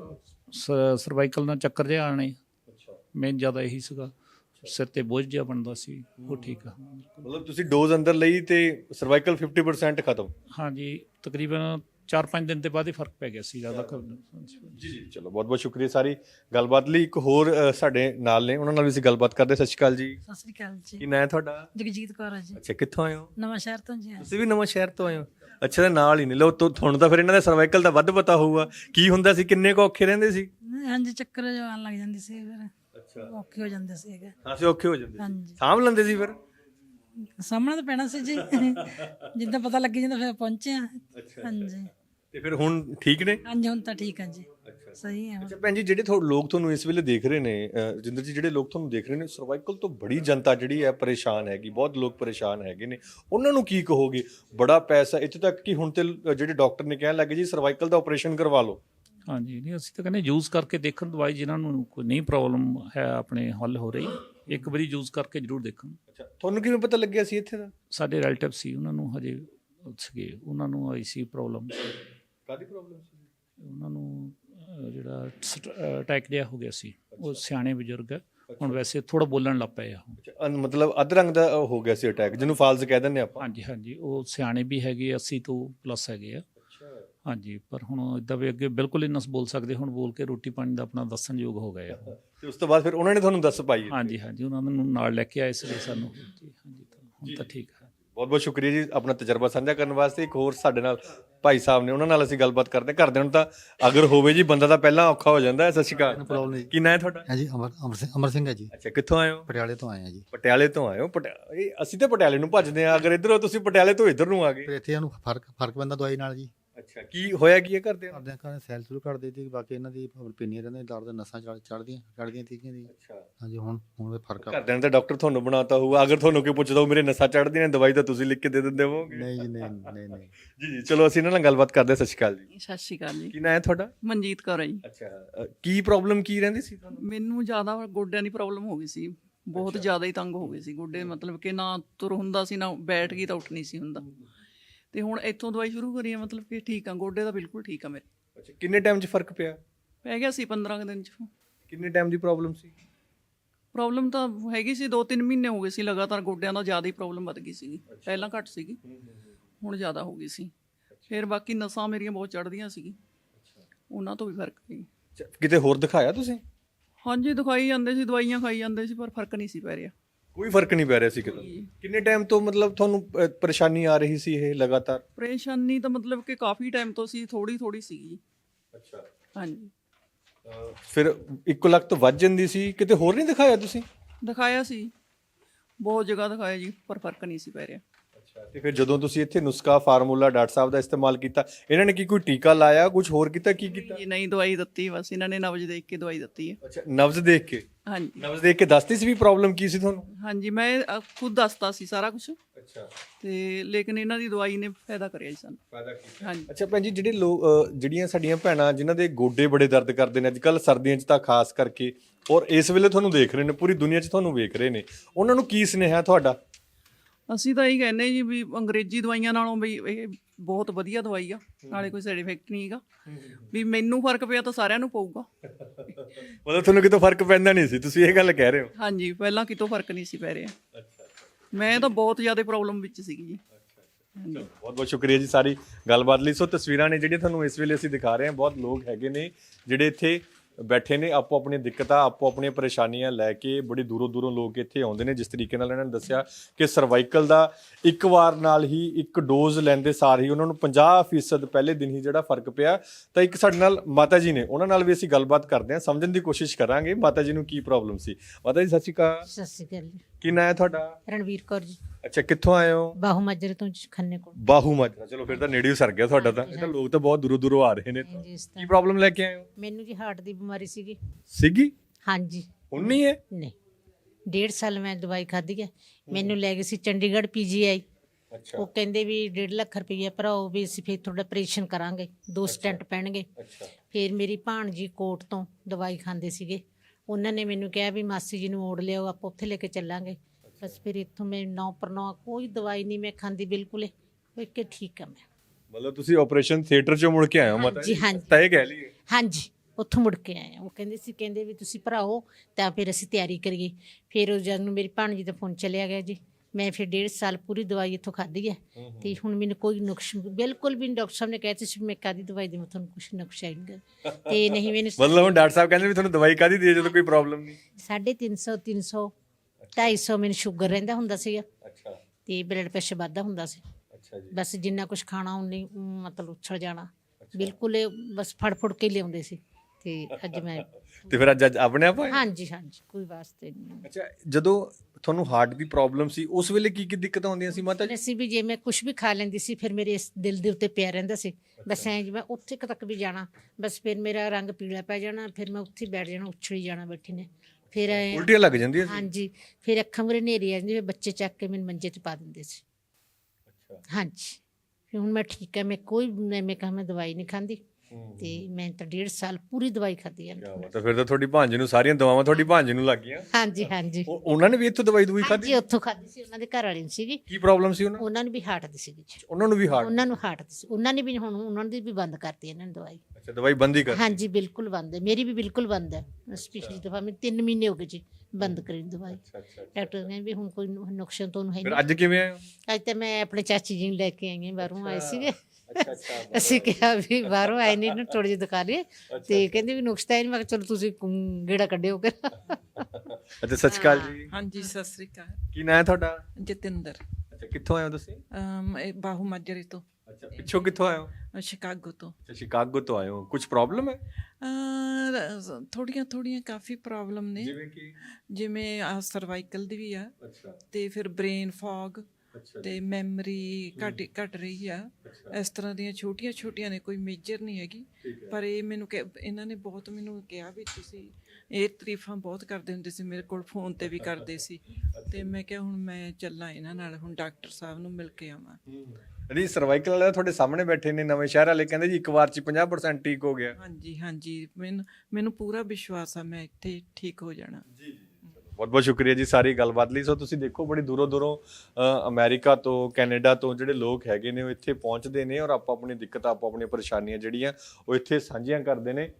[SPEAKER 1] ਸਰਵਾਈਕਲ ਨਾਲ ਚੱਕਰ ਜਿਹਾ ਆਣੇ,
[SPEAKER 2] ਅੱਛਾ,
[SPEAKER 1] ਮੇਨ ਜ਼ਿਆਦਾ ਇਹੀ ਸੀਗਾ, ਸਿਰ ਤੇ ਬੋਝ ਜਿਹਾ ਬਣਦਾ ਸੀ, ਉਹ ਠੀਕ ਆ।
[SPEAKER 2] ਮਤਲਬ ਤੁਸੀਂ ਡੋਜ਼ ਅੰਦਰ ਲਈ ਤੇ ਸਰਵਾਈਕਲ ਫਿਫਟੀ ਪਰਸੈਂਟ ਖਤਮ?
[SPEAKER 1] ਹਾਂਜੀ, ਤਕਰੀਬਨ ਚਾਰ ਪੰਜ ਦਿਨ ਦੇ ਬਾਅਦ ਹੀ ਫਰਕ ਪੈ ਗਿਆ ਸੀ ਜ਼ਿਆਦਾ।
[SPEAKER 2] ਜੀ ਜੀ, ਚਲੋ ਬਹੁਤ ਬਹੁਤ ਸ਼ੁਕਰੀਆ ਸਾਰੀ ਗੱਲਬਾਤ ਲਈ। ਇੱਕ ਹੋਰ ਅ, ਸਾਡੇ ਨਾਲ ਨੇ, ਉਹਨਾਂ ਨਾਲ ਵੀ ਅਸੀਂ ਗੱਲਬਾਤ ਕਰਦੇ। ਸਤਿ ਸ਼੍ਰੀ ਅਕਾਲ ਜੀ।
[SPEAKER 10] ਸਤਿ ਸ੍ਰੀ ਅਕਾਲ ਜੀ।
[SPEAKER 2] ਕੀ ਨਾਂ ਹੈ ਤੁਹਾਡਾ?
[SPEAKER 10] ਜਗਜੀਤ ਕੌਰ ਹੈ ਜੀ।
[SPEAKER 2] ਅੱਛਾ, ਕਿੱਥੋਂ ਆਏ ਹੋ?
[SPEAKER 10] ਨਵਾਂ ਸ਼ਹਿਰ ਤੋਂ ਜੀ।
[SPEAKER 2] ਤੁਸੀਂ ਵੀ ਨਵਾਂ ਸ਼ਹਿਰ ਤੋਂ ਆਏ ਹੋ? ਅੱਛਾ, ਤੇ ਨਾਲ ਹੀ ਨੇ ਲੋ। ਤੁਹਾਨੂੰ ਤਾਂ ਫਿਰ ਇਹਨਾਂ ਦਾ ਸਰਵਾਈਕਲ ਦਾ ਵੱਧ ਪਤਾ ਹੋਊਗਾ, ਕੀ ਹੁੰਦਾ ਸੀ, ਕਿੰਨੇ ਕੁ ਔਖੇ ਰਹਿੰਦੇ ਸੀ?
[SPEAKER 10] ਹਾਂਜੀ, ਚੱਕਰ ਜੋ ਆਉਣ ਲੱਗ ਜਾਂਦੀ ਸੀ, ਫਿਰ
[SPEAKER 2] ਅੱਛਾ,
[SPEAKER 10] ਔਖੇ ਹੋ ਜਾਂਦੇ ਸੀ ਹੈਗੇ।
[SPEAKER 2] ਅਸੀਂ ਔਖੇ ਹੋ ਜਾਂਦੇ ਸੀ,
[SPEAKER 10] ਹਾਂਜੀ,
[SPEAKER 2] ਸਾਂਭ ਲੈਂਦੇ ਸੀ ਫਿਰ?
[SPEAKER 10] ਸਾਹਮਣਾ ਤਾਂ ਪੈਣਾ ਸੀ ਜੀ। ਜਿੱਦਾਂ ਪਤਾ ਲੱਗੀ ਜਾਂਦਾ ਫਿਰ ਪਹੁੰਚੇ ਆ।
[SPEAKER 2] ਅੱਛਾ,
[SPEAKER 10] ਹਾਂਜੀ
[SPEAKER 2] ਤੇ ਫਿਰ ਹੁਣ ਠੀਕ ਨੇ?
[SPEAKER 10] ਹਾਂਜੀ, ਹੁਣ ਤਾਂ ਠੀਕ ਆ ਜੀ, ਸਹੀ ਹੈ ਹੁਣ।
[SPEAKER 2] ਅੱਛਾ ਭੈਣ ਜੀ, ਜਿਹੜੇ ਥੋ- ਲੋਕ ਤੁਹਾਨੂੰ ਇਸ ਵੇਲੇ ਦੇਖ ਰਹੇ ਨੇ, ਅ, ਜਿੰਦਰ ਜੀ, ਜਿਹੜੇ ਲੋਕ ਤੁਹਾਨੂੰ ਦੇਖ ਰਹੇ ਨੇ, ਸਰਵਾਈਕਲ ਤੋਂ ਬੜੀ ਜਨਤਾ ਜਿਹੜੀ ਹੈ ਪਰੇਸ਼ਾਨ ਹੈਗੀ, ਬਹੁਤ ਲੋਕ ਪਰੇਸ਼ਾਨ ਹੈਗੇ ਨੇ, ਉਹਨਾਂ ਨੂੰ ਕੀ ਕਹੋਗੇ? ਬੜਾ ਪੈਸਾ, ਇੱਥੇ ਤੱਕ ਕਿ ਹੁਣ ਤੇ ਲ- ਜਿਹੜੇ ਡਾਕਟਰ ਨੇ ਕਹਿਣ ਲੱਗੇ ਜੀ ਸਰਵਾਈਕਲ ਦਾ ਆਪਰੇਸ਼ਨ ਕਰਵਾ ਲਓ।
[SPEAKER 1] ਹਾਂਜੀ, ਨਹੀਂ ਅਸੀਂ ਤਾਂ ਕਹਿੰਦੇ ਯੂਜ਼ ਕਰਕੇ ਦੇਖਣ ਦਵਾਈ, ਜਿਨ੍ਹਾਂ ਨੂੰ ਕੋਈ ਨਹੀਂ ਪ੍ਰੋਬਲਮ ਹੈ ਆਪਣੇ ਹੱਲ ਹੋ ਰਹੀ, ਇੱਕ ਵਾਰੀ ਯੂਜ਼ ਕਰਕੇ ਜ਼ਰੂਰ ਦੇਖਣ।
[SPEAKER 2] ਅੱਛਾ, ਤੁਹਾਨੂੰ ਕਿਵੇਂ ਪਤਾ ਲੱਗਿਆ ਸੀ ਇੱਥੇ ਦਾ?
[SPEAKER 1] ਸਾਡੇ ਰਿਲੇਟਿਵ ਸੀ, ਉਹਨਾਂ ਨੂੰ ਹਜੇ ਸੀਗੇ, ਉਹਨਾਂ ਨੂੰ ਆਈ ਸੀ ਪ੍ਰੋਬਲਮ।
[SPEAKER 2] ਕਾਹਦੀ ਪ੍ਰੋਬਲਮ ਸੀ?
[SPEAKER 1] ਉਹਨਾਂ ਨੂੰ ਅਹ, ਜਿਹੜਾ ਅਟੈਕ ਜਿਹਾ ਹੋ ਗਿਆ ਸੀ। ਉਹ ਸਿਆਣੇ ਬਜ਼ੁਰਗ ਹੈ, ਹੁਣ ਵੈਸੇ ਥੋੜਾ ਬੋਲਣ ਲੱਗ ਪਏ ਆ।
[SPEAKER 2] ਅੱਛਾ, ਅਨ- ਮਤਲਬ ਅਧਰੰਗ ਦਾ ਹੋ ਗਿਆ ਸੀ ਅਟੈਕ, ਜਿਹਨੂੰ ਫਾਲਸ ਕਹਿ ਦਿੰਦੇ ਆਪਾਂ?
[SPEAKER 1] ਹਾਂਜੀ ਹਾਂਜੀ, ਉਹ ਸਿਆਣੇ ਵੀ ਹੈਗੇ, ਅੱਸੀ ਤੋਂ ਪਲੱਸ ਹੈਗੇ ਆ। ਹਾਂਜੀ, ਪਰ ਹੁਣ ਇੱਦਾਂ ਵੀ ਅੱਗੇ ਬਿਲਕੁਲ ਹੀ ਨਸ ਬੋਲ ਸਕਦੇ, ਹੁਣ ਬੋਲ ਕੇ ਰੋਟੀ ਪਾਣੀ ਦਾ ਆਪਣਾ ਦੱਸਣ ਯੋਗ ਹੋ ਗਏ ਆ।
[SPEAKER 2] ਤੇ ਉਸ ਤੋਂ ਬਾਅਦ ਫਿਰ ਉਹਨਾਂ ਨੇ ਤੁਹਾਨੂੰ ਦੱਸ ਪਾਈ?
[SPEAKER 1] ਹਾਂਜੀ ਹਾਂਜੀ, ਉਹਨਾਂ ਨੂੰ ਨਾਲ ਲੈ ਕੇ ਆਏ ਸੀ ਸਾਨੂੰ। ਜੀ ਹਾਂਜੀ, ਤਾਂ ਹੁਣ ਤਾਂ ਠੀਕ ਹੈ।
[SPEAKER 2] ਬਹੁਤ ਬਹੁਤ ਸ਼ੁਕਰੀਆ ਜੀ ਆਪਣਾ ਤਜਰਬਾ ਸਾਂਝਾ ਕਰਨ ਵਾਸਤੇ। ਇੱਕ ਹੋਰ ਸਾਡੇ ਨਾਲ ਭਾਈ ਸਾਹਿਬ ਨੇ, ਉਹਨਾਂ ਨਾਲ ਅਸੀਂ ਗੱਲਬਾਤ ਕਰਦੇ। ਘਰਦਿਆਂ ਨੂੰ ਤਾਂ ਅਗਰ ਹੋਵੇ ਜੀ, ਬੰਦਾ ਤਾਂ ਪਹਿਲਾਂ ਔਖਾ ਹੋ ਜਾਂਦਾ ਹੈ। ਸਤਿ ਸ਼੍ਰੀ ਅਕਾਲ।
[SPEAKER 11] ਪ੍ਰੋਬਲਮ ਨਹੀਂ
[SPEAKER 2] ਕੀ ਨਾਂ ਹੈ ਤੁਹਾਡਾ?
[SPEAKER 11] ਹੈ ਜੀ? ਅਮਰ ਅਮਰ ਸਿੰਘ ਅਮਰ ਸਿੰਘ ਹੈ ਜੀ।
[SPEAKER 2] ਅੱਛਾ, ਕਿੱਥੋਂ ਆਏ ਹੋ?
[SPEAKER 11] ਪਟਿਆਲੇ ਤੋਂ ਆਏ ਆ ਜੀ।
[SPEAKER 2] ਪਟਿਆਲੇ ਤੋਂ ਆਏ ਹੋ? ਪਟਿਆ ਇਹ ਅਸੀਂ ਤਾਂ ਪਟਿਆਲੇ ਨੂੰ ਭੱਜਦੇ ਆ, ਅਗਰ ਇੱਧਰੋਂ ਤੁਸੀਂ ਪਟਿਆਲੇ ਤੋਂ ਇੱਧਰ ਨੂੰ ਆ ਗਏ।
[SPEAKER 11] ਫਿਰ ਇੱਥੇ ਇਹਨੂੰ ਫਰਕ ਫਰਕ ਪੈਂਦਾ ਦਵਾਈ ਨਾਲ ਜੀ।
[SPEAKER 2] ਅੱਛਾ, ਕੀ ਹੋਇਆ ਕੀ ਹੈ ਘਰਦਿਆਂ ਨੂੰ?
[SPEAKER 11] ਘਰਦਿਆਂ ਘਰ ਸੈਲ ਸ਼ੁਰੂ ਕਰ ਦਿੱਤੀ, ਬਾਕੀ ਇਹਨਾਂ ਦੀ ਪਿੰਨੀਆਂ ਰਹਿੰਦੇ, ਦਰਦ ਨਸਾਂ ਚੜ ਚੜਦੀਆਂ ਚੜਦੀਆਂ ਤੀਕੀਆਂ ਦੀ।
[SPEAKER 2] ਅੱਛਾ,
[SPEAKER 11] ਹਾਂਜੀ, ਹੁਣ ਹੁਣ ਫਰਕ ਆ।
[SPEAKER 2] ਘਰਦਿਆਂ ਨੇ ਤਾਂ ਡਾਕਟਰ ਤੁਹਾਨੂੰ ਬਣਾਤਾ ਹੋਊਗਾ, ਅਗਰ ਤੁਹਾਨੂੰ ਕੋਈ ਪੁੱਛਦਾ ਹੋ ਮੇਰੇ ਨਸਾਂ ਚੜਦੀਆਂ ਨੇ, ਦਵਾਈ ਤਾਂ ਤੁਸੀਂ ਲਿਖ ਕੇ ਦੇ ਦਿੰਦੇ ਹੋਵੋਗੇ।
[SPEAKER 11] ਨਹੀਂ ਜੀ, ਨਹੀਂ ਨਹੀਂ ਨਹੀਂ।
[SPEAKER 2] ਜੀ ਜੀ, ਚਲੋ ਅਸੀਂ ਇਹਨਾਂ ਨਾਲ ਗੱਲਬਾਤ ਕਰਦੇ। ਸਤਿ ਸ਼੍ਰੀ ਅਕਾਲ ਜੀ।
[SPEAKER 6] ਸਤਿ ਸ਼੍ਰੀ ਅਕਾਲ ਜੀ।
[SPEAKER 2] ਕੀ ਨਾਂ ਹੈ ਤੁਹਾਡਾ?
[SPEAKER 6] ਮਨਜੀਤ ਕੌਰ ਹੈ ਜੀ।
[SPEAKER 2] ਅੱਛਾ, ਅ, ਕੀ ਪ੍ਰੋਬਲਮ ਕੀ ਰਹਿੰਦੀ ਸੀ ਤੁਹਾਨੂੰ?
[SPEAKER 6] ਮੈਨੂੰ ਜ਼ਿਆਦਾ ਗੋਡਿਆਂ ਦੀ ਪ੍ਰੋਬਲਮ ਹੋ ਗਈ ਸੀ, ਬਹੁਤ ਜ਼ਿਆਦਾ ਹੀ ਤੰਗ ਹੋ ਗਏ ਸੀ ਗੋਡੇ, ਮਤਲਬ ਕਿ ਨਾ ਤੁਰ ਹੁੰਦਾ ਸੀ, ਨਾ ਬੈਠ ਗਈ ਤਾਂ ਉੱਠ ਨਹੀਂ ਸੀ ਹੁੰਦਾ। ਤੇ ਹੁਣ ਇੱਥੋਂ ਦਵਾਈ ਸ਼ੁਰੂ ਕਰੀ ਹੈ, ਮਤਲਬ ਕਿ ਠੀਕ ਆ, ਗੋਡੇ ਦਾ ਬਿਲਕੁਲ ਠੀਕ ਆ ਮੇਰੇ।
[SPEAKER 2] ਅੱਛਾ, ਕਿੰਨੇ ਟਾਈਮ 'ਚ ਫਰਕ ਪਿਆ?
[SPEAKER 6] ਪੈ ਗਿਆ ਸੀ ਪੰਦਰਾਂ ਕੁ ਦਿਨ 'ਚ।
[SPEAKER 2] ਕਿੰਨੇ ਟਾਈਮ ਦੀ ਪ੍ਰੋਬਲਮ ਸੀ?
[SPEAKER 6] ਪ੍ਰੋਬਲਮ ਤਾਂ ਹੈਗੀ ਸੀ, ਦੋ ਤਿੰਨ ਮਹੀਨੇ ਹੋ ਗਏ ਸੀ ਲਗਾਤਾਰ, ਗੋਡਿਆਂ ਦਾ ਜ਼ਿਆਦਾ ਹੀ ਪ੍ਰੋਬਲਮ ਵੱਧ ਗਈ ਸੀਗੀ। ਪਹਿਲਾਂ ਘੱਟ ਸੀਗੀ, ਹੁਣ ਜ਼ਿਆਦਾ ਹੋ ਗਈ ਸੀ। ਫਿਰ ਬਾਕੀ ਨਸਾਂ ਮੇਰੀਆਂ ਬਹੁਤ ਚੜ੍ਹਦੀਆਂ ਸੀਗੀ, ਉਹਨਾਂ ਤੋਂ ਵੀ ਫਰਕ ਪਈ।
[SPEAKER 2] ਕਿਤੇ ਹੋਰ ਦਿਖਾਇਆ ਤੁਸੀਂ?
[SPEAKER 6] ਹਾਂਜੀ, ਦਿਖਾਈ ਜਾਂਦੇ ਸੀ, ਦਵਾਈਆਂ ਖਾਈ ਜਾਂਦੇ ਸੀ, ਪਰ ਫਰਕ ਨਹੀਂ ਸੀ ਪੈ ਰਿਹਾ।
[SPEAKER 2] ਕੋਈ ਫਰਕ ਨਹੀਂ ਪੈ ਰਿਹਾ ਸੀ ਕਿਤੇ? ਕਿੰਨੇ ਟਾਈਮ ਤੋਂ ਮਤਲਬ ਤੁਹਾਨੂੰ ਅ, ਪਰੇਸ਼ਾਨੀ ਆ ਰਹੀ ਸੀ ਇਹ ਲਗਾਤਾਰ?
[SPEAKER 6] ਪਰੇਸ਼ਾਨੀ ਤਾਂ ਮਤਲਬ ਕਿ ਕਾਫੀ ਟਾਈਮ ਤੋਂ ਸੀ, ਥੋੜੀ ਥੋੜੀ ਸੀਗੀ।
[SPEAKER 2] ਅੱਛਾ,
[SPEAKER 6] ਹਾਂਜੀ,
[SPEAKER 2] ਫਿਰ ਇੱਕੋ ਲੱਖ ਤੋਂ ਵੱਧ ਜਾਂਦੀ ਸੀ? ਕਿਤੇ ਹੋਰ ਨਹੀਂ ਦਿਖਾਇਆ ਤੁਸੀਂ?
[SPEAKER 6] ਦਿਖਾਇਆ ਸੀ, ਬਹੁਤ ਜਗ੍ਹਾ ਦਿਖਾਇਆ ਜੀ, ਪਰ ਫਰਕ ਨਹੀਂ ਸੀ ਪੈ ਰਿਹਾ।
[SPEAKER 2] ਅੱਛਾ, ਤੇ ਫਿਰ ਜਦੋਂ ਤੁਸੀਂ ਇੱਥੇ ਨੁਸਖਾ ਫਾਰਮੂਲਾ ਡਾਕਟਰ ਸਾਹਿਬ ਦਾ ਇਸਤੇਮਾਲ ਕੀਤਾ, ਇਹਨਾਂ ਨੇ ਕੀ ਕੋਈ ਟੀਕਾ ਲਾਇਆ, ਕੁਝ ਹੋਰ ਕੀਤਾ, ਕੀ ਕੀਤਾ?
[SPEAKER 6] ਜੀ ਨਹੀਂ, ਦਵਾਈ ਦਿੱਤੀ, ਬਸ ਇਹਨਾਂ ਨੇ ਨਬਜ਼ ਦੇਖ ਕੇ ਦਵਾਈ ਦਿੱਤੀ ਹੈ।
[SPEAKER 2] ਅੱਛਾ, ਨਬਜ਼ ਦੇਖ ਕੇ?
[SPEAKER 6] ਹਾਂਜੀ
[SPEAKER 2] ਨਬਜ਼ ਦੇਖ ਕੇ ਦੱਸਦੀ ਸੀ ਵੀ ਪ੍ਰੋਬਲਮ ਕੀ ਸੀ ਤੁਹਾਨੂੰ?
[SPEAKER 6] ਹਾਂਜੀ, ਮੈਂ ਅ, ਖੁਦ ਦੱਸਤਾ ਸੀ ਸਾਰਾ ਕੁਝ,
[SPEAKER 2] ਅੱਛਾ,
[SPEAKER 6] ਤੇ ਲੇਕਿਨ ਇਹਨਾਂ ਦੀ ਦਵਾਈ ਨੇ ਫਾਇਦਾ ਕਰਿਆ ਜੀ ਸਾਨੂੰ।
[SPEAKER 2] ਫਾਇਦਾ ਕੀਤਾ।
[SPEAKER 6] ਹਾਂਜੀ,
[SPEAKER 2] ਅੱਛਾ ਭੈਣ ਜੀ, ਜਿਹੜੇ ਲੋਕ ਅ, ਜਿਹੜੀਆਂ ਸਾਡੀਆਂ ਭੈਣਾਂ ਜਿਨ੍ਹਾਂ ਦੇ ਗੋਡੇ ਬੜੇ ਦਰਦ ਕਰਦੇ ਨੇ ਅੱਜ ਕੱਲ੍ਹ ਸਰਦੀਆਂ 'ਚ ਤਾਂ ਖਾਸ ਕਰਕੇ, ਔਰ ਇਸ ਵੇਲੇ ਤੁਹਾਨੂੰ ਦੇਖ ਰਹੇ ਨੇ, ਪੂਰੀ ਦੁਨੀਆ 'ਚ ਤੁਹਾਨੂੰ ਵੇਖ ਰਹੇ ਨੇ, ਉਹਨਾਂ ਨੂੰ ਕੀ ਸੁਨੇਹਾ ਤੁਹਾਡਾ?
[SPEAKER 6] ਅਸੀਂ ਤਾਂ ਇਹੀ ਕਹਿੰਦੇ ਜੀ ਵੀ ਅੰਗਰੇਜ਼ੀ ਦਵਾਈਆਂ ਨਾਲੋਂ ਵੀ ਇਹ ਬਹੁਤ ਵਧੀਆ ਦਵਾਈ ਆ, ਨਾਲੇ ਕੋਈ ਸਾਈਡ ਇਫੈਕਟ ਨਹੀਂ ਹੈਗਾ। ਵੀ ਮੈਨੂੰ ਫਰਕ ਪਿਆ ਤਾਂ ਸਾਰਿਆਂ ਨੂੰ ਪਊਗਾ।
[SPEAKER 2] ਮਤਲਬ ਤੁਹਾਨੂੰ ਕਿਤੋਂ ਫਰਕ ਪੈਂਦਾ ਨਹੀਂ ਸੀ, ਤੁਸੀਂ ਇਹ ਗੱਲ ਕਹਿ ਰਹੇ ਹੋ?
[SPEAKER 6] ਹਾਂਜੀ, ਪਹਿਲਾਂ ਕਿਤੋਂ ਫਰਕ ਨਹੀਂ ਸੀ ਪੈ ਰਿਹਾ। ਮੈਂ ਤਾਂ ਬਹੁਤ ਜ਼ਿਆਦਾ ਪ੍ਰੋਬਲਮ ਵਿੱਚ ਸੀਗੀ ਜੀ।
[SPEAKER 2] ਬਹੁਤ ਬਹੁਤ ਸ਼ੁਕਰੀਆ ਜੀ ਸਾਰੀ ਗੱਲਬਾਤ ਲਈ। ਸੋ ਤਸਵੀਰਾਂ ਨੇ ਜਿਹੜੀਆਂ ਤੁਹਾਨੂੰ ਇਸ ਵੇਲੇ ਅਸੀਂ ਦਿਖਾ ਰਹੇ ਹਾਂ, ਬਹੁਤ ਲੋਕ ਹੈਗੇ ਨੇ ਜਿਹੜੇ ਇੱਥੇ ਬੈਠੇ ਨੇ, ਆਪੋ ਆਪਣੀਆਂ ਦਿੱਕਤਾਂ ਆਪੋ ਆਪਣੀਆਂ ਪਰੇਸ਼ਾਨੀਆਂ ਲੈ ਕੇ ਬੜੀ ਦੂਰੋਂ ਦੂਰੋਂ ਲੋਕ ਇੱਥੇ ਆਉਂਦੇ ਨੇ। ਜਿਸ ਤਰੀਕੇ ਨਾਲ ਇਹਨਾਂ ਨੇ ਦੱਸਿਆ ਕਿ ਸਰਵਾਈਕਲ ਦਾ ਇੱਕ ਵਾਰ ਨਾਲ ਹੀ ਇੱਕ ਡੋਜ਼ ਲੈਂਦੇ ਸਾਰ ਹੀ ਉਹਨਾਂ ਨੂੰ ਪੰਜਾਹ ਫੀਸਦ ਪਹਿਲੇ ਦਿਨ ਹੀ ਜਿਹੜਾ ਫਰਕ ਪਿਆ। ਤਾਂ ਇੱਕ ਸਾਡੇ ਨਾਲ ਮਾਤਾ ਜੀ ਨੇ, ਉਹਨਾਂ ਨਾਲ ਵੀ ਅਸੀਂ ਗੱਲਬਾਤ ਕਰਦੇ ਹਾਂ, ਸਮਝਣ ਦੀ ਕੋਸ਼ਿਸ਼ ਕਰਾਂਗੇ ਮਾਤਾ ਜੀ ਨੂੰ ਕੀ ਪ੍ਰੋਬਲਮ ਸੀ। ਮਾਤਾ ਜੀ ਸਤਿ ਸ਼੍ਰੀ ਅਕਾਲ।
[SPEAKER 7] ਸਤਿ ਸ਼੍ਰੀ ਅਕਾਲ ਜੀ।
[SPEAKER 2] ਕੀ ਨਾਂ ਹੈ ਤੁਹਾਡਾ?
[SPEAKER 7] ਰਣਵੀਰ ਕੌਰ ਜੀ।
[SPEAKER 2] ਅੱਛਾ, ਕਿੱਥੋਂ ਆਏ ਹੋ?
[SPEAKER 7] ਬਾਹੂ ਮਾਜਰੇ ਤੋਂ ਜੀ, ਖੰਨੇ ਕੋਲ।
[SPEAKER 2] ਬਾਹੂ ਮਾਜਰਾ, ਚਲੋ ਫਿਰ ਤਾਂ ਨੇੜੇ ਹੀ ਸਰ ਗਿਆ ਤੁਹਾਡਾ ਤਾਂ। ਇਹ ਤਾਂ ਲੋਕ ਤਾਂ ਬਹੁਤ ਦੂਰੋਂ ਦੂਰੋਂ ਆ ਰਹੇ ਨੇ।
[SPEAKER 7] ਹਾਂਜੀ, ਇਸ
[SPEAKER 2] ਕੀ
[SPEAKER 7] ਤਰ੍ਹਾਂ
[SPEAKER 2] ਪ੍ਰੋਬਲਮ ਲੈ ਕੇ ਆਏ ਹੋ?
[SPEAKER 7] ਮੈਨੂੰ ਜੀ ਹਾਰਟ ਦੀ ਬਿਮਾਰੀ ਸੀਗੀ।
[SPEAKER 2] ਸੀਗੀ?
[SPEAKER 7] ਹਾਂਜੀ।
[SPEAKER 2] ਹੁਣ ਨਹੀਂ ਹੈ?
[SPEAKER 7] ਨਹੀਂ, ਡੇਢ ਸਾਲ ਮੈਂ ਦਵਾਈ ਖਾਧੀ ਹੈ। ਮੈਨੂੰ ਲੈ ਗਏ ਸੀ ਚੰਡੀਗੜ੍ਹ ਪੀਜੀਆਈ।
[SPEAKER 2] ਅੱਛਾ
[SPEAKER 7] ਉਹ ਕਹਿੰਦੇ ਵੀ ਡੇਢ ਲੱਖ ਰੁਪਈਆ ਭਰਾਓ, ਵੀ ਅਸੀਂ ਫਿਰ ਤੁਹਾਡਾ ਆਪਰੇਸ਼ਨ ਕਰਾਂਗੇ, ਦੋ ਸਟੈਂਟ ਪੈਣਗੇ।
[SPEAKER 2] ਅੱਛਾ
[SPEAKER 7] ਫਿਰ ਮੇਰੀ ਭਾਣਜੀ ਕੋਟ ਤੋਂ ਦਵਾਈ ਖਾਂਦੇ ਸੀਗੇ, ਉਹਨਾਂ ਨੇ ਮੈਨੂੰ ਕਿਹਾ ਵੀ ਮਾਸੀ ਜੀ ਨੂੰ ਮੋੜ ਲਿਆਓ, ਆਪਾਂ ਉੱਥੇ ਲੈ ਕੇ ਚੱਲਾਂਗੇ। ਬਸ ਫਿਰ ਇੱਥੋਂ ਮੈਂ ਨੌ ਪਰ ਨੌ ਕੋਈ ਦਵਾਈ ਨਹੀਂ ਮੈਂ ਖਾਂਦੀ ਬਿਲਕੁਲ, ਵੇਖ ਕੇ ਠੀਕ ਆ ਮੈਂ।
[SPEAKER 2] ਮਤਲਬ ਤੁਸੀਂ ਆਪਰੇਸ਼ਨ ਥੀਏਟਰ ਚੋਂ ਮੁੜ ਕੇ ਆਏ ਹੋ ਮਾਤਾ
[SPEAKER 7] ਹਾਂਜੀ, ਹਾਂਜੀ।
[SPEAKER 2] ਤਾਂ ਇਹ ਕਹਿ ਲਈਏ।
[SPEAKER 7] ਹਾਂਜੀ, ਉੱਥੋਂ ਮੁੜ ਕੇ ਆਏ ਆ। ਉਹ ਕਹਿੰਦੇ ਸੀ, ਕਹਿੰਦੇ ਵੀ ਤੁਸੀਂ ਭਰਾਓ ਤਾਂ ਫਿਰ ਅਸੀਂ ਤਿਆਰੀ ਕਰੀਏ। ਫਿਰ ਉਹ ਜਦ ਨੂੰ ਮੇਰੀ ਭਾਣਜੀ ਦਾ ਫੋਨ ਚਲਿਆ ਗਿਆ ਜੀ, ਮੈਂ ਫਿਰ ਡੇਢ ਸਾਲ ਪੂਰੀ ਦਵਾਈ ਇੱਥੋਂ ਖਾਧੀ ਹੈ ਤੇ ਹੁਣ ਮੈਨੂੰ ਕੋਈ ਨੁਕਸ ਬਿਲਕੁਲ ਵੀ ਨਹੀਂ। ਡਾਕਟਰ ਸਾਹਿਬ ਨੇ ਕਹਿ ਸੀ ਮੈਂ ਕਾਹਦੀ ਦਵਾਈ ਦੇਵਾਂ ਤੁਹਾਨੂੰ, ਕੁਛ ਨੁਕਸ ਆਏਗਾ ਤੇ ਨਹੀਂ ਮੈਨੂੰ।
[SPEAKER 2] ਮਤਲਬ ਹੁਣ ਡਾਕਟਰ ਸਾਹਿਬ ਕਹਿੰਦੇ ਵੀ ਤੁਹਾਨੂੰ ਦਵਾਈ ਕਾਹਦੀ ਦੇ ਜਦੋਂ ਕੋਈ ਪ੍ਰੋਬਲਮ ਨਹੀਂ।
[SPEAKER 7] ਸਾਢੇ ਤਿੰਨ ਸੌ ਤਿੰਨ ਸੌ ਢਾਈ ਸੌ ਮੈਨੂੰ ਸ਼ੂਗਰ ਰਹਿੰਦਾ ਹੁੰਦਾ ਸੀਗਾ
[SPEAKER 2] ਅੱਛਾ
[SPEAKER 7] ਤੇ ਬਲੱਡ ਪ੍ਰੈਸ਼ਰ ਵੱਧਦਾ ਹੁੰਦਾ ਸੀ।
[SPEAKER 2] ਅੱਛਾ ਜੀ।
[SPEAKER 7] ਬਸ ਜਿੰਨਾ ਕੁਛ ਖਾਣਾ ਉਨੀ ਮਤਲਬ ਉੱਛਲ ਜਾਣਾ ਬਿਲਕੁਲ, ਇਹ ਬਸ ਫੜ ਫੁੜ ਕੇ ਲਿਆਉਂਦੇ ਸੀ। ਤੇ ਅੱਜ ਮੈਂ
[SPEAKER 2] ਤੇ ਫਿਰ ਅੱਜ ਅੱਜ ਆਪਣੇ ਆਪ ਆਏ?
[SPEAKER 7] ਹਾਂਜੀ ਹਾਂਜੀ, ਕੋਈ ਵਾਸਤੇ ਨਹੀਂ।
[SPEAKER 2] ਅੱਛਾ, ਜਦੋਂ ਤੁਹਾਨੂੰ ਹਾਰਟ ਦੀ ਪ੍ਰੋਬਲਮ ਸੀ ਉਸ ਵੇਲੇ ਕੀ ਕੀ ਦਿੱਕਤਾਂ ਆਉਂਦੀਆਂ ਸੀ ਮਾਤਾ ਜੀ?
[SPEAKER 7] ਅਸੀਂ ਵੀ ਜੇ ਮੈਂ ਕੁਛ ਵੀ ਖਾ ਲੈਂਦੀ ਸੀ ਫਿਰ ਮੇਰੇ ਇਸ ਦਿਲ ਦੇ ਉੱਤੇ ਪਿਆ ਰਹਿੰਦਾ ਸੀ। ਬਸ ਐਂ ਜਿਵੇਂ ਉੱਥੇ ਕੁ ਤੱਕ ਵੀ ਜਾਣਾ, ਬਸ ਫਿਰ ਮੇਰਾ ਰੰਗ ਪੀਲਾ ਪੈ ਜਾਣਾ, ਫਿਰ ਮੈਂ ਉੱਥੇ ਬੈਠ ਜਾਣਾ, ਉਛਲੀ ਜਾਣਾ ਬੈਠੀ ਨੇ। ਫਿਰ ਐਂ-
[SPEAKER 2] ਉਲਟੀਆਂ ਲੱਗ ਜਾਂਦੀਆਂ ਸੀ?
[SPEAKER 7] ਹਾਂਜੀ, ਫਿਰ ਅੱਖਾਂ ਮੁਰੇ ਹਨੇਰੀ ਆ ਜਾਂਦੀ, ਫਿਰ ਬੱਚੇ ਚੱਕ ਕੇ ਮੈਨੂੰ ਮੰਜੇ ਤੇ ਪਾ ਦਿੰਦੇ ਸੀ।
[SPEAKER 2] ਅੱਛਾ
[SPEAKER 7] ਹਾਂਜੀ, ਫਿਰ ਹੁਣ ਮੈਂ ਠੀਕ ਹੈ, ਮੈਂ ਕੋਈ ਮੈਂ ਕਹਾਂ ਮੈਂ ਦਵਾਈ ਨਹੀਂ ਖਾਂਦੀ ਤੇ ਮੈਂ ਤਾਂ ਡੇਢ ਸਾਲ ਪੂਰੀ ਦਵਾਈ ਖਾਧੀ ਹੈ।
[SPEAKER 2] ਕਿਆ ਬਾਤ ਹੈ, ਫਿਰ ਤਾਂ ਤੁਹਾਡੀ ਭਾਂਜੀ ਨੂੰ ਸਾਰੀਆਂ ਦਵਾਵਾਂ ਤੁਹਾਡੀ ਭਾਂਜੀ ਨੂੰ ਲੱਗ ਗਈਆਂ।
[SPEAKER 7] ਹਾਂਜੀ ਹਾਂਜੀ,
[SPEAKER 2] ਉਹ- ਉਹਨਾਂ ਨੇ ਵੀ ਇੱਥੋਂ ਦਵਾਈ ਦਵਾਈ
[SPEAKER 7] ਹਾਂਜੀ
[SPEAKER 2] ਖਾਧੀ?
[SPEAKER 7] ਉੱਥੋਂ ਖਾਧੀ ਸੀ, ਉਹਨਾਂ ਦੇ ਘਰ ਵਾਲੀ ਨੂੰ ਸੀਗੀ।
[SPEAKER 2] ਕੀ ਪ੍ਰੋਬਲਮ ਸੀ ਉਹਨਾਂ ਨੂੰ?
[SPEAKER 7] ਉਹਨਾਂ ਨੂੰ ਵੀ ਹਾਰਟ ਦੀ ਸੀਗੀ ਜੀ।
[SPEAKER 2] ਉਹਨਾਂ ਨੂੰ ਵੀ ਹਾਰਟ?
[SPEAKER 7] ਉਹਨਾਂ ਨੂੰ ਹਾਰਟ ਦੀ ਸੀ, ਉਹਨਾਂ ਨੇ ਵੀ ਹੁਣ ਉਹਨਾਂ ਦੀ ਵੀ ਬੰਦ ਕਰਤੀ ਇਹਨਾਂ ਨੇ ਦਵਾਈ।
[SPEAKER 2] ਅੱਛਾ, ਦਵਾਈ ਬੰਦ ਹੀ ਕਰ?
[SPEAKER 7] ਹਾਂਜੀ ਬਿਲਕੁਲ ਬੰਦ ਹੈ, ਮੇਰੀ ਵੀ ਬਿਲਕੁਲ ਬੰਦ ਹੈ। ਬਸ ਪਿਛਲੀ ਦਫਾ ਮੈਂ ਤਿੰਨ ਮਹੀਨੇ ਹੋ ਗਏ ਜੀ ਬੰਦ ਕਰੀ ਦਵਾਈ।
[SPEAKER 2] ਅੱਛਾ ਅੱਛਾ।
[SPEAKER 7] ਡਾਕਟਰ ਨੇ ਵੀ ਹੁਣ ਕੋਈ ਨੁਕਸਾਨ ਤੁਹਾਨੂੰ ਹੈ
[SPEAKER 2] ਫਿਰ
[SPEAKER 7] ਨਹੀਂ।
[SPEAKER 2] ਅੱਜ ਕਿਵੇਂ ਆਏ ਹੋ?
[SPEAKER 7] ਅੱਜ ਤਾਂ ਮੈਂ ਆਪਣੇ ਚਾਚੀ ਜੀ ਨੂੰ ਲੈ ਕੇ ਆਈ ਹਾਂ, ਬਾਹਰੋਂ ਆਏ ਸੀਗੇ।
[SPEAKER 2] ਅੱਛਾ ਅੱਛਾ।
[SPEAKER 7] ਅਸੀਂ ਕਿਹਾ ਵੀ ਬਾਹਰੋਂ ਆਏ ਨੇ ਇਹਨੂੰ ਥੋੜੀ ਜਿਹੀ ਦਿਖਾ ਲਈਏ ਤੇ ਕਹਿੰਦੇ ਵੀ ਨੁਕਸ ਤਾਂ ਹੈ ਨਹੀਂ। ਮੈਂ ਕਿਹਾ ਚਲੋ ਤੁਸੀਂ ਘੁੰਮ- ਗੇੜਾ ਕੱਢਿਓ ਕਰ।
[SPEAKER 2] ਅੱਛਾ, ਸਤਿ ਸ਼੍ਰੀ ਅਕਾਲ ਜੀ।
[SPEAKER 10] ਹਾਂਜੀ, ਸਤਿ ਸ੍ਰੀ ਅਕਾਲ।
[SPEAKER 2] ਕੀ ਨਾਂ ਹੈ ਤੁਹਾਡਾ?
[SPEAKER 10] ਜਤਿੰਦਰ।
[SPEAKER 2] ਅੱਛਾ, ਕਿੱਥੋਂ ਆਏ ਹੋ ਤੁਸੀਂ?
[SPEAKER 10] ਅਮ, ਇਹ ਬਾਹੂ ਮਾਜਰੇ ਤੋਂ।
[SPEAKER 2] ਅੱਛਾ, ਪਿੱਛੋਂ ਕਿੱਥੋਂ ਆਏ ਹੋ?
[SPEAKER 10] ਅ, ਸ਼ਿਕਾਗੋ ਤੋਂ।
[SPEAKER 2] ਅੱਛਾ, ਸ਼ਿਕਾਗੋ ਤੋਂ ਆਏ ਹੋ। ਕੁਝ ਪ੍ਰੋਬਲਮ ਹੈ?
[SPEAKER 10] ਥੋੜੀਆਂ ਥੋੜੀਆਂ ਕਾਫੀ ਪ੍ਰੋਬਲਮ ਨੇ,
[SPEAKER 2] ਜਿਵੇਂ ਕਿ?
[SPEAKER 10] ਜਿਵੇਂ ਆ ਸਰਵਾਈਕਲ ਦੀ ਵੀ ਆ
[SPEAKER 2] ਅੱਛਾ
[SPEAKER 10] ਤੇ ਫਿਰ ਬ੍ਰੇਨ ਫੌਗ
[SPEAKER 2] ਅੱਛਾ
[SPEAKER 10] ਤੇ ਮੈਮਰੀ ਘਟ ਘਟ ਰਹੀ ਆ। ਇਸ ਤਰ੍ਹਾਂ ਦੀਆਂ ਛੋਟੀਆਂ ਛੋਟੀਆਂ ਨੇ, ਕੋਈ ਮੇਜਰ ਨਹੀਂ ਹੈਗੀ।
[SPEAKER 2] ਠੀਕ ਹੈ।
[SPEAKER 10] ਪਰ ਇਹ ਮੈਨੂੰ ਕਿ ਇਹਨਾਂ ਨੇ ਬਹੁਤ ਮੈਨੂੰ ਕਿਹਾ ਵੀ ਤੁਸੀਂ ਇਹ ਤਾਰੀਫਾਂ ਬਹੁਤ ਕਰਦੇ ਹੁੰਦੇ ਸੀ, ਮੇਰੇ ਕੋਲ ਫੋਨ ਤੇ ਵੀ ਕਰਦੇ ਸੀ। ਤੇ ਮੈਂ ਕਿਹਾ ਹੁਣ ਮੈਂ ਚੱਲਾਂ ਇਹਨਾਂ ਨਾਲ, ਹੁਣ ਡਾਕਟਰ ਸਾਹਿਬ ਨੂੰ ਮਿਲ ਕੇ ਆਵਾਂ।
[SPEAKER 2] ਨਹੀਂ, ਸਰਵਾਈਕਲ ਵਾਲੇ ਤੁਹਾਡੇ ਸਾਹਮਣੇ ਬੈਠੇ ਨੇ, ਨਵੇਂ ਸ਼ਹਿਰ ਵਾਲੇ, ਕਹਿੰਦੇ ਜੀ ਇੱਕ ਵਾਰ ਚ ਪੰਜਾਹ ਪਰਸੈਂਟ ਠੀਕ ਹੋ ਗਿਆ।
[SPEAKER 10] ਹਾਂਜੀ ਹਾਂਜੀ, ਮੈਨੂੰ ਮੈਨੂੰ ਪੂਰਾ ਵਿਸ਼ਵਾਸ ਆ ਮੈਂ ਇੱਥੇ ਠੀਕ ਹੋ ਜਾਣਾ।
[SPEAKER 2] ਜੀ ਜੀ, ਬਹੁਤ ਬਹੁਤ ਸ਼ੁਕਰੀਆ ਜੀ ਸਾਰੀ ਗੱਲਬਾਤ ਲਈ। ਸੋ ਤੁਸੀਂ ਦੇਖੋ ਬੜੀ ਦੂਰੋਂ ਦੂਰੋਂ ਅ, ਅਮਰੀਕਾ ਤੋਂ, ਕੈਨੇਡਾ ਤੋਂ ਜਿਹੜੇ ਲੋਕ ਹੈਗੇ ਨੇ ਉਹ ਇੱਥੇ ਪਹੁੰਚਦੇ ਨੇ ਔਰ ਆਪਾਂ ਆਪਣੀ ਦਿੱਕਤਾਂ, ਆਪਾਂ ਆਪਣੀਆਂ ਪਰੇਸ਼ਾਨੀਆਂ ਜਿਹੜੀਆਂ ਉਹ ਇੱਥੇ ਸਾਂਝੀਆਂ ਕਰਦੇ ਨੇ।